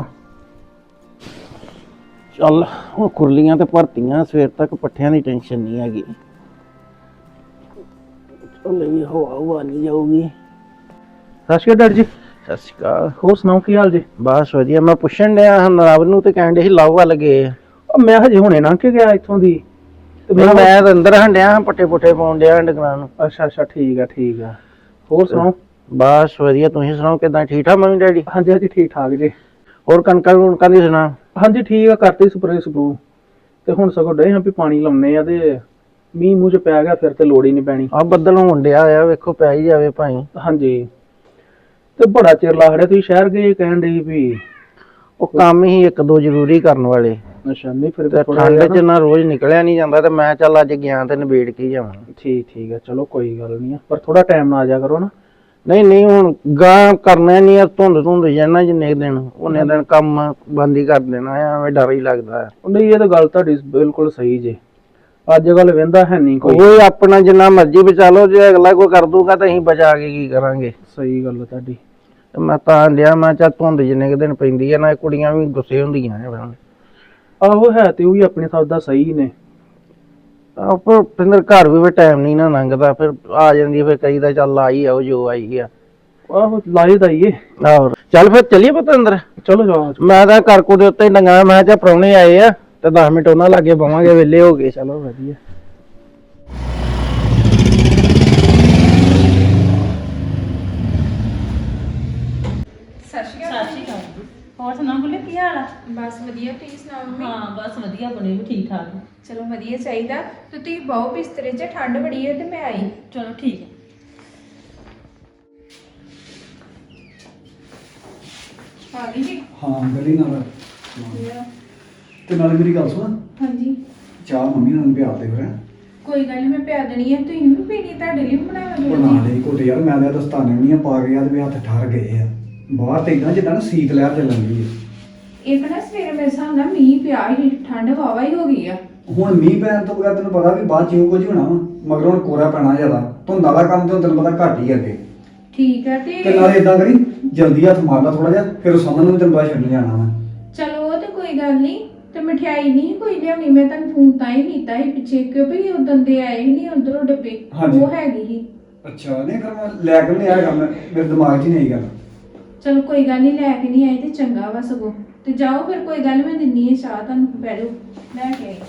B: ਚੱਲ ਹੁਣ ਕੁਰਲੀਆਂ ਤੇ ਭਰਤੀਆਂ, ਸਵੇਰ ਤੱਕ ਪੱਠਿਆਂ ਦੀ ਟੈਨਸ਼ਨ ਨਹੀਂ ਹੈਗੀ। ਚੱਲ ਵੀ ਹਵਾ ਨਹੀਂ ਜਾਊਗੀ। ਸਤਿ ਸ਼੍ਰੀ ਅਕਾਲ ਡੈਡੀ ਜੀ।
C: ਸਤਿ ਸ਼੍ਰੀ ਅਕਾਲ।
B: ਹੋਰ ਸੁਣਾਓ ਕੀ ਹਾਲ ਜੀ?
C: ਬਸ ਵਧੀਆ। ਮੈਂ ਪੁੱਛਣ ਡਿਆ ਨਰਾਬ ਨੂੰ ਤੇ ਕਹਿਣ ਡੇ ਸੀ ਲਵ ਵੱਲ ਗਏ।
B: ਮੈਂ ਹਜੇ ਹੁਣੇ ਲੰਘ ਕੇ ਗਿਆ ਇੱਥੋਂ ਦੀ ਤੇ
C: ਮੈਂ ਤਾਂ ਅੰਦਰ ਹੰਡਿਆ ਪੱਟੇ ਪੁੱਟੇ ਪਾਉਣ ਡਿਆ ਡੰਗਰਾਂ ਨੂੰ।
B: ਅੱਛਾ ਠੀਕ ਆ। ਹੋਰ ਸੁਣਾਓ?
C: ਬਸ ਵਧੀਆ, ਤੁਸੀਂ ਸੁਣਾਓ ਕਿਦਾਂ? ਠੀਕ ਠਾਕ ਮੰਮੀ ਡੈਡੀ?
B: ਹਾਂਜੀ ਠੀਕ ਠਾਕ ਜੀ।
C: ਹੋਰ ਕਣਕਾਂ ਦੀ ਸੁਣਾ?
B: ਹਾਂਜੀ ਠੀਕ ਆ, ਕਰਤੀ ਸਪਰੇ ਸਪਰੂ ਤੇ ਹੁਣ ਸਗੋਂ ਡੇ ਹਾਂ ਵੀ ਪਾਣੀ ਲਾਉਣੇ ਆ, ਤੇ ਮੀਂਹ ਮੂੰਹ ਚ ਪੈ ਗਿਆ ਫਿਰ ਤੇ ਲੋੜ ਹੀ ਨਹੀਂ ਪੈਣੀ।
C: ਆ ਬੱਦਲ ਹੋਣ ਡਿਆ ਆ, ਵੇਖੋ ਪੈ ਹੀ ਜਾਵੇ ਭਾਈ।
B: ਹਾਂਜੀ, ਤੇ ਬੜਾ ਚਿਰ ਲੱਗ ਰਿਹਾ, ਤੁਸੀਂ ਸ਼ਹਿਰ ਗਏ ਕਹਿਣ ਡਈ ਵੀ।
C: ਉਹ ਕੰਮ ਹੀ ਇੱਕ ਦੋ ਜ਼ਰੂਰੀ ਕਰਨ ਵਾਲੇ।
B: ਅੱਛਾ, ਨਹੀਂ ਫਿਰ
C: ਤੇ ਠੰਡ ਚ ਨਾ ਰੋਜ਼ ਨਿਕਲਿਆ ਨਹੀਂ ਜਾਂਦਾ, ਤੇ ਮੈਂ ਚੱਲ ਅੱਜ ਗਿਆ ਤੇ ਨਿਬੇੜ ਕੇ ਜਾਵਾਂ।
B: ਠੀਕ ਆ, ਚਲੋ ਕੋਈ ਗੱਲ ਨਹੀਂ, ਪਰ ਥੋੜਾ ਟਾਈਮ ਨਾਲ ਆ ਜਾ ਕਰੋ ਨਾ।
C: ਨਹੀਂ ਹੁਣ ਗਾਂ ਕਰਨਾ ਨਹੀਂ ਆ, ਧੁੰਦ ਜਾਣਾ ਜਿੰਨੇ ਦਿਨ, ਉਹਨੇ ਦਿਨ ਕੰਮ ਬੰਦ ਹੀ ਕਰ ਦੇਣਾ ਆ, ਐਵੇਂ ਡਰ ਹੀ ਲੱਗਦਾ।
B: ਨਹੀਂ ਇਹ ਤਾਂ ਗੱਲ ਤੁਹਾਡੀ ਬਿਲਕੁਲ ਸਹੀ ਜੇ, ਅੱਜ ਕੱਲ ਵਹਿੰਦਾ ਹੈ ਨਹੀਂ ਕੋਈ।
C: ਉਹ ਆਪਣਾ ਜਿੰਨਾ ਮਰਜ਼ੀ ਬਚਾ ਲਓ, ਜੇ ਅਗਲਾ ਕੋਈ ਕਰ ਦੂਗਾ ਤਾਂ ਅਸੀਂ ਬਚਾ ਕੇ ਕੀ ਕਰਾਂਗੇ।
B: ਸਹੀ ਗੱਲ ਆ ਤੁਹਾਡੀ।
C: ਤੇ ਮੈਂ ਤਾਂ ਲਿਆ, ਮੈਂ ਚਾ ਧੁੰਦ ਜਿੰਨੇ ਕੁ ਦਿਨ ਪੈਂਦੀ ਆ ਨਾ, ਇਹ ਕੁੜੀਆਂ ਵੀ ਗੁੱਸੇ ਹੁੰਦੀਆਂ ਨੇ ਫਿਰ।
B: ਆਹੋ ਹੈ ਤੇ ਉਹ ਵੀ ਆਪਣੇ ਹਿਸਾਬ ਦਾ ਸਹੀ ਨੇ।
C: ਆਪੋ ਪਿੰਦਰ ਘਰ ਵੀ ਟਾਈਮ ਨਹੀਂ ਨਾ ਲੰਘਦਾ, ਫਿਰ ਆ ਜਾਂਦੀ, ਫਿਰ ਕਈ ਦਾ ਚੱਲ ਆਈ ਆ, ਉਹ ਜੋ ਆਈ ਆ।
B: ਆਹੋ ਲਾਏ ਦਾ ਹੀ ਏ।
C: ਆਹੋ ਚੱਲ ਫਿਰ ਚੱਲੀਏ ਪੁੱਤ ਅੰਦਰ।
B: ਚਲੋ ਜਾਓ।
C: ਮੈਂ ਤਾਂ ਕਰਕੂ ਦੇ ਉੱਤੇ ਡੰਗਾ, ਮੈਂ ਕਿਹਾ ਪ੍ਰਾਹੁਣੇ ਆਏ ਆ ਤੇ 10 ਮਿੰਟ ਉਹਨਾਂ ਲਾਗੇ ਬਵਾਂਗੇ, ਵਿਹਲੇ ਹੋ ਗਏ।
B: ਚਲੋ ਵਧੀਆ।
F: ਹੋਰ ਸੁਣਾ ਬੁੱਲੇ, ਕੀ ਹਾਲ ਆ?
A: ਬਸ ਵਧੀਆ, ਤੁਸੀਂ ਸੁਣਾਓ ਮੰਮੀ?
F: ਹਾਂ ਬਸ ਵਧੀਆ, ਬਣੇ ਵੀ ਠੀਕ ਠਾਕ।
A: ਚਲੋ ਵਧੀਆ ਚਾਹੀਦਾ। ਤੇ ਤੁਸੀਂ ਬਹੁ ਬਿਸਤਰੇ 'ਚ, ਠੰਡ ਬੜੀ ਹੈ ਤੇ ਮੈਂ ਆਈ।
F: ਚਲੋ ਠੀਕ ਹੈ।
A: ਆ ਗਈ ਜੀ।
G: ਹਾਂ ਗਲੀ ਨਾਲ ਤੇ ਨਾਲੇ ਮੇਰੀ ਗੱਲ ਸੁਣ,
A: ਹਾਂਜੀ
G: ਚਾਹ ਮੰਮੀ ਨਾਲ ਪਿਆ ਦੇ ਫਿਰ।
A: ਕੋਈ ਗੱਲ ਨਹੀਂ, ਮੈਂ ਪਿਆ ਦੇਣੀ ਹੈ। ਤੁਸੀਂ ਵੀ ਪੀਣੀ, ਤੁਹਾਡੇ ਲਈ ਵੀ ਬਣਾਵਾਂਗੀ।
G: ਬਣਾ ਲਈ ਘੁੱਟ ਯਾਰ, ਮੈਂ ਤਾਂ ਦਸਤਾਨੇ ਵੀ ਨਹੀਂ ਪਾ ਕੇ ਯਾਰ, ਵੀ ਹੱਥ ਠਰ ਗਏ ਆ ਬਾਹਰ ਤੇ ਇਦਾਂ ਜਿੱਦਾਂ ਨਾ ਸੀਤ ਲਹਿਰ ਚੱਲਣ ਦੀ ਹੈ।
A: ਇੱਕ ਨਾ ਸਵੇਰੇ ਮੇਰੇ ਹਿਸਾਬ ਨਾਲ ਮੀਂਹ ਪਿਆ ਹੀ, ਠੰਡ ਵਾਵਾ ਹੀ ਹੋ ਗਈ ਆ।
G: ਹੁਣ ਮੀਂਹ ਪੈਣ ਤੋਂ ਬਗੈਰ ਤੈਨੂੰ ਪਤਾ ਵੀ ਬਾਅਦ ਚ ਇਹੋ ਕੁਝ ਹੋਣਾ ਵਾ, ਮਗਰ ਹੁਣ ਕੋਰਾ ਪੈਣਾ ਜ਼ਿਆਦਾ, ਧੁੰਦਾਂ ਦਾ ਕੰਮ ਤੇ ਹੁਣ ਤੈਨੂੰ ਪਤਾ ਘੱਟ ਹੀ ਅੱਗੇ।
A: ਠੀਕ ਹੈ
G: ਤੇ
A: ਤੇ
G: ਨਾਲੇ ਇਦਾਂ ਕਰੀ, ਜਲਦੀ ਹੱਥ ਮਾਰ ਲਾ ਥੋੜਾ ਜਿਹਾ, ਫਿਰ ਉਹ ਸਾਹਮਣੇ ਨੂੰ ਤੈਨੂੰ ਬਾਅਦ ਛੱਡਣ ਜਾਣਾ ਵਾ।
A: ਚਲੋ ਉਹ ਤੇ ਕੋਈ ਗੱਲ ਨਹੀਂ। ਤੇ ਮਠਿਆਈ ਨਹੀਂ ਕੋਈ ਲਿਆਉਣੀ, ਮੈਂ ਤੁਹਾਨੂੰ ਫੋਨ ਤਾਂ ਹੀ ਕੀਤਾ ਸੀ ਪਿੱਛੇ, ਕਿਉਂਕਿ ਉਦੋਂ ਦੇ ਆਏ ਹੀ ਨਹੀਂ ਉਧਰੋਂ ਡੱਬੇ।
G: ਹਾਂਜੀ।
A: ਉਹ ਹੈਗੀ ਸੀ।
G: ਅੱਛਾ ਨਹੀਂ ਫਿਰ ਮੈਂ ਲੈ ਕੇ ਨਹੀਂ ਆਇਆ ਕੰਮ, ਮੇਰੇ ਦਿਮਾਗ 'ਚ ਹੀ ਨਹੀਂ ਗੱਲ।
A: ਚਲੋ ਕੋਈ ਗੱਲ ਨਹੀਂ, ਲੈ ਕੇ ਨਹੀਂ ਆਏ ਤੇ ਚੰਗਾ ਵਾ ਸਗੋਂ। ਤੇ ਜਾਓ ਫਿਰ, ਕੋਈ ਗੱਲ ਨੀ, ਮੈਂ ਦਿੰਨੀ ਹੈ ਚਾਹ ਤੁਹਾਨੂੰ, ਬਹਿ ਜਾਓ। ਲੈ ਕੇ ਆਈ।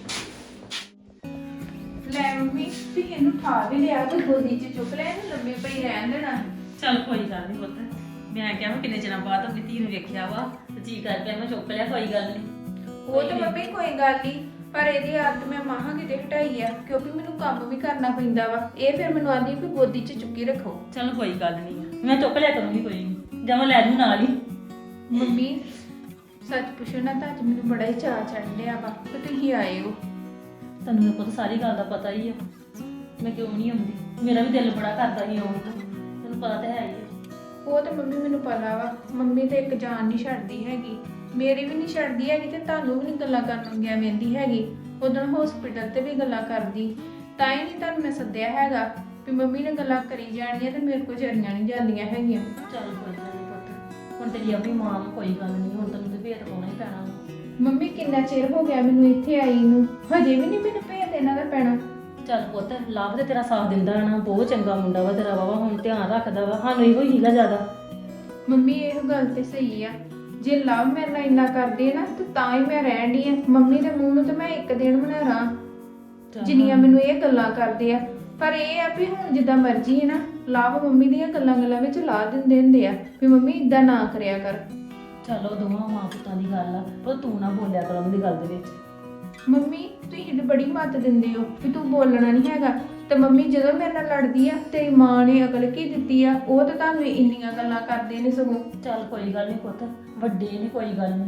A: ਲੈ ਮੰਮੀ, ਤੁਸੀਂ ਇਹਨੂੰ ਠਾ ਵੀ ਲਿਆ ਤੇ ਗੋਦੀ 'ਚ ਚੁੱਕ ਲਿਆ, ਇਹਨੂੰ ਲੰਮੇ ਪਈ ਰਹਿਣ ਦੇਣਾ।
F: ਚੱਲ ਕੋਈ ਗੱਲ ਨਹੀਂ ਪੁੱਤ, ਮੈਂ ਕਿਹਾ ਮੈਂ ਕਿੰਨੇ ਚਿਰਾਂ ਬਾਅਦ ਆਪਣੀ ਧੀ ਨੂੰ ਵੇਖਿਆ ਵਾ ਤੇ ਜੀ ਕਰ ਪਿਆ, ਮੈਂ ਚੁੱਕ ਲਿਆ, ਕੋਈ ਗੱਲ ਨਹੀਂ।
A: ਉਹ ਤਾਂ ਮੰਮੀ ਕੋਈ ਗੱਲ ਨਹੀਂ, ਪਰ ਇਹਦੀ ਆਦਤ ਮੈਂ ਮਾਹਾਂ ਕਿਤੇ ਹਟਾਈ ਆ, ਕਿਉਂਕਿ ਮੈਨੂੰ ਕੰਮ ਵੀ ਕਰਨਾ ਪੈਂਦਾ ਵਾ। ਇਹ ਫਿਰ ਮੈਨੂੰ ਆਂਦੀ ਵੀ ਗੋਦੀ 'ਚ ਚੁੱਕੀ ਰੱਖੋ।
F: ਚਲ ਕੋਈ ਗੱਲ ਨਹੀਂ, ਮੈਂ ਚੁੱਕ ਲਿਆ ਕਰੂੰਗੀ, ਕੋਈ ਨਹੀਂ, ਜਾਂ ਮੈਂ ਲੈ ਜੂ ਨਾਲ ਹੀ।
A: ਮੰਮੀ ਸੱਚ ਪੁੱਛੋ ਨਾ ਤਾਂ ਅੱਜ ਮੈਨੂੰ ਬੜਾ ਹੀ ਚਾਅ ਚੜ੍ਹ ਰਿਹਾ ਵਾ ਕਿ ਤੁਸੀਂ ਆਏ ਹੋ।
F: ਤੈਨੂੰ ਤਾਂ ਪੁੱਤ ਸਾਰੀ ਗੱਲ ਦਾ ਪਤਾ ਹੀ ਆ, ਮੈਂ ਕਿਉਂ ਨਹੀਂ ਆਉਂਦੀ, ਮੇਰਾ ਵੀ ਦਿਲ ਬੜਾ ਕਰਦਾ ਸੀ ਆਉਣ ਦਾ, ਤੈਨੂੰ ਪਤਾ ਤਾਂ ਹੈ ਹੀ ਆ।
A: ਉਹ ਤਾਂ ਮੰਮੀ ਮੈਨੂੰ ਪਤਾ ਵਾ, ਮੰਮੀ ਤੇ ਇੱਕ ਜਾਨ ਨਹੀਂ ਛੱਡਦੀ ਹੈਗੀ, ਮੇਰੀ ਵੀ ਨਹੀਂ ਛੱਡਦੀ ਹੈਗੀ, ਤੇ ਤੁਹਾਨੂੰ ਵੀ ਨਹੀਂ ਗੱਲਾਂ ਕਰਨ ਗਿਆ ਵੇਂਦੀ ਹੈਗੀ। ਉਦੋਂ ਹਸਪੀਟਲ ਤੇ ਵੀ ਗੱਲਾਂ ਕਰਦੀ, ਤਾਂ ਹੀ ਨਹੀਂ ਤੁਹਾਨੂੰ ਮੈਂ ਸੱਦਿਆ ਹੈਗਾ ਵੀ ਮੰਮੀ ਨੇ ਗੱਲਾਂ ਕਰੀ ਜਾਣੀਆਂ ਤੇ ਮੇਰੇ ਕੋਲ ਜਰੀਆਂ ਨਹੀਂ ਜਾਂਦੀਆਂ ਹੈਗੀਆਂ।
F: ਚੱਲ ਕੋਈ ਗੱਲ ਨਹੀਂ ਪੁੱਤ, ਹੁਣ ਤੇਰੀ ਆਪਣੀ ਮਾਂ ਨੂੰ ਕੋਈ ਗੱਲ ਨਹੀਂ, ਹੁਣ ਤੈਨੂੰ ਤੇ ਭੇਤ ਪਾਉਣਾ ਹੀ ਪੈਣਾ ਵਾ।
A: ਮੰਮੀ ਕਿੰਨਾ ਚਿਰ ਹੋ ਗਿਆ ਮੈਨੂੰ ਇੱਥੇ ਆਈ ਨੂੰ, ਹਜੇ ਵੀ ਨਹੀਂ ਮੈਨੂੰ ਭੇਤ ਇਹਨਾਂ ਦਾ ਪੈਣਾ।
F: ਚੱਲ ਪੁੱਤ, ਲਾਭ ਤੇ ਤੇਰਾ ਸਾਥ ਦਿੰਦਾ ਨਾ, ਬਹੁਤ ਚੰਗਾ ਮੁੰਡਾ ਵਾ ਤੇਰਾ, ਵਾਵਾ ਹੁਣ ਧਿਆਨ ਰੱਖਦਾ ਵਾ, ਸਾਨੂੰ ਇਹੋ ਹੀਗਾ ਜ਼ਿਆਦਾ।
A: ਮੰਮੀ ਇਹ ਗੱਲ ਤੇ ਸਹੀ ਆ, ਜੇ ਲਵ ਮੇਰੇ ਨਾਲ ਇੰਨਾ ਕਰਦੇ ਨਾ ਤੇ ਤਾਂ ਹੀ ਮੈਂ ਰਹਿਣ ਡਈ ਆ। ਮੰਮੀ ਦੇ ਮੂੰਹ ਨੂੰ ਤੇ ਮੈਂ ਇੱਕ ਦਿਨ ਬਣਾ ਰਾਂ ਜਿੰਨੀਆਂ ਮੈਨੂੰ ਇਹ ਗੱਲਾਂ ਕਰਦੇ ਆ। ਪਰ ਇਹ ਆ ਵੀ ਹੁਣ ਜਿੱਦਾਂ ਮਰਜ਼ੀ ਹੈ ਨਾ, ਲਵ ਮੰਮੀ ਦੀਆਂ ਗੱਲਾਂ ਵਿੱਚ ਲਾ ਦਿੰਦੇ ਹੁੰਦੇ ਆ ਵੀ ਮੰਮੀ ਇਦਾਂ ਨਾ ਕਰਿਆ ਕਰ।
F: ਚਲੋ ਦੋਵਾਂ ਮਾਂ ਪੁੱਤਾਂ ਦੀ ਗੱਲ ਆ, ਪਰ ਤੂੰ ਨਾ ਬੋਲਿਆ ਕਰ ਉਹਨਾਂ ਦੀ ਗੱਲ ਦੇ ਵਿੱਚ।
A: ਮੰਮੀ ਤੁਸੀਂ ਤੇ ਬੜੀ ਮੱਤ ਦਿੰਦੇ ਹੋ ਵੀ ਤੂੰ ਬੋਲਣਾ ਨਹੀਂ ਹੈਗਾ, ਤੇ ਮੰਮੀ ਜਦੋਂ ਮੇਰੇ ਨਾਲ ਲੜਦੀ ਆ ਤੇਰੀ ਮਾਂ ਨੇ ਅਕਲ ਕੀ ਦਿੱਤੀ ਆ, ਉਹ ਤਾਂ ਤੁਹਾਨੂੰ ਇੰਨੀਆਂ ਗੱਲਾਂ ਕਰਦੇ ਨੇ ਸਗੋਂ।
F: ਚੱਲ ਕੋਈ ਗੱਲ ਨਹੀਂ ਪੁੱਤ, ਵੱਡੇ ਨੇ, ਕੋਈ ਗੱਲ ਨਹੀਂ।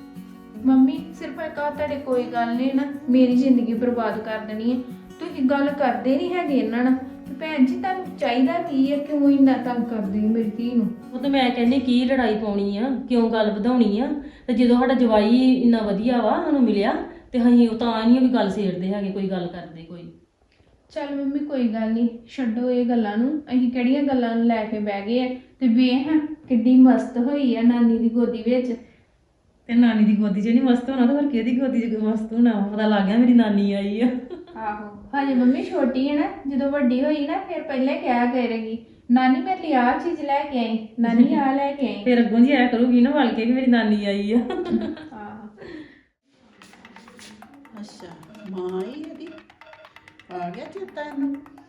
A: ਮੰਮੀ ਸਿਰਫ ਇੱਕ ਆ ਤੁਹਾਡੇ ਕੋਈ ਗੱਲ ਨੇ ਨਾ ਮੇਰੀ ਜ਼ਿੰਦਗੀ ਬਰਬਾਦ ਕਰ ਦੇਣੀ ਹੈ। ਤੁਸੀਂ ਗੱਲ ਕਰਦੇ ਨਹੀਂ ਹੈਗੇ ਇਹਨਾਂ ਨਾਲ। ਤੇ ਭੈਣ ਜੀ ਤੁਹਾਨੂੰ ਚਾਹੀਦਾ ਕੀ ਹੈ, ਕਿਉਂ ਇੰਨਾ ਤੰਗ ਕਰਦੇ ਹੋ ਮੇਰੀ ਧੀ ਨੂੰ?
F: ਉਹ ਤਾਂ ਮੈਂ ਕਹਿੰਦੀ ਕੀ ਲੜਾਈ ਪਾਉਣੀ ਆ, ਕਿਉਂ ਗੱਲ ਵਧਾਉਣੀ ਆ? ਤੇ ਜਦੋਂ ਸਾਡਾ ਜਵਾਈ ਇੰਨਾ ਵਧੀਆ ਵਾ ਸਾਨੂੰ ਮਿਲਿਆ, ਤੇ ਅਸੀਂ ਉਹ ਤਾਂ ਨਹੀਂ ਵੀ ਗੱਲ ਛੇੜਦੇ ਹੈਗੇ, ਕੋਈ ਗੱਲ ਕਰਦੇ ਕੋਈ।
A: ਚੱਲ ਮੰਮੀ ਕੋਈ ਗੱਲ ਨਹੀਂ, ਛੱਡੋ ਇਹ ਗੱਲਾਂ ਨੂੰ। ਅਸੀਂ ਕਿਹੜੀਆਂ ਗੱਲਾਂ ਨੂੰ ਲੈ ਕੇ ਬਹਿ ਗਏ ਆ? ਤੇ ਵੇਖ ਕਿੱਡੀ ਮਸਤ ਹੋਈ ਆ ਨਾਨੀ ਦੀ ਗੋਦੀ ਵਿੱਚ।
F: ਤੇ ਨਾਨੀ ਦੀ ਗੋਦੀ 'ਚ ਨਹੀਂ ਮਸਤ ਹੋਣਾ ਤਾਂ ਫਿਰ ਕਿਹਦੀ ਗੋਦੀ 'ਚ ਮਸਤ ਹੋਣਾ? ਪਤਾ ਲੱਗ ਗਿਆ ਮੇਰੀ ਨਾਨੀ ਆਈ ਆ।
A: ਆਹੋ ਹਜੇ ਮੰਮੀ ਛੋਟੀ ਹੈ ਨਾ, ਜਦੋਂ ਵੱਡੀ ਹੋਈ ਨਾ ਫਿਰ ਪਹਿਲਾਂ ਕਿਹਾ ਕਰੇਗੀ ਨਾਨੀ ਮੇਰੇ ਲਈ ਆਹ ਚੀਜ਼ ਲੈ ਕੇ ਆਈ, ਨਾਨੀ ਆਹ ਲੈ ਕੇ ਆਈ।
F: ਫਿਰ ਅੱਗੋਂ ਜੀ ਆਇਆ ਕਰੂਗੀ ਨਾ ਵਲ ਕੇ ਕਿ ਮੇਰੀ ਨਾਨੀ ਆਈ ਆ।
A: ਆਹੋ
H: ਅੱਛਾ ਮਾਂ ਹੀ ਇਹਦੀ ਆ ਗਿਆ ਚੇਤਾ ਇਹਨੂੰ।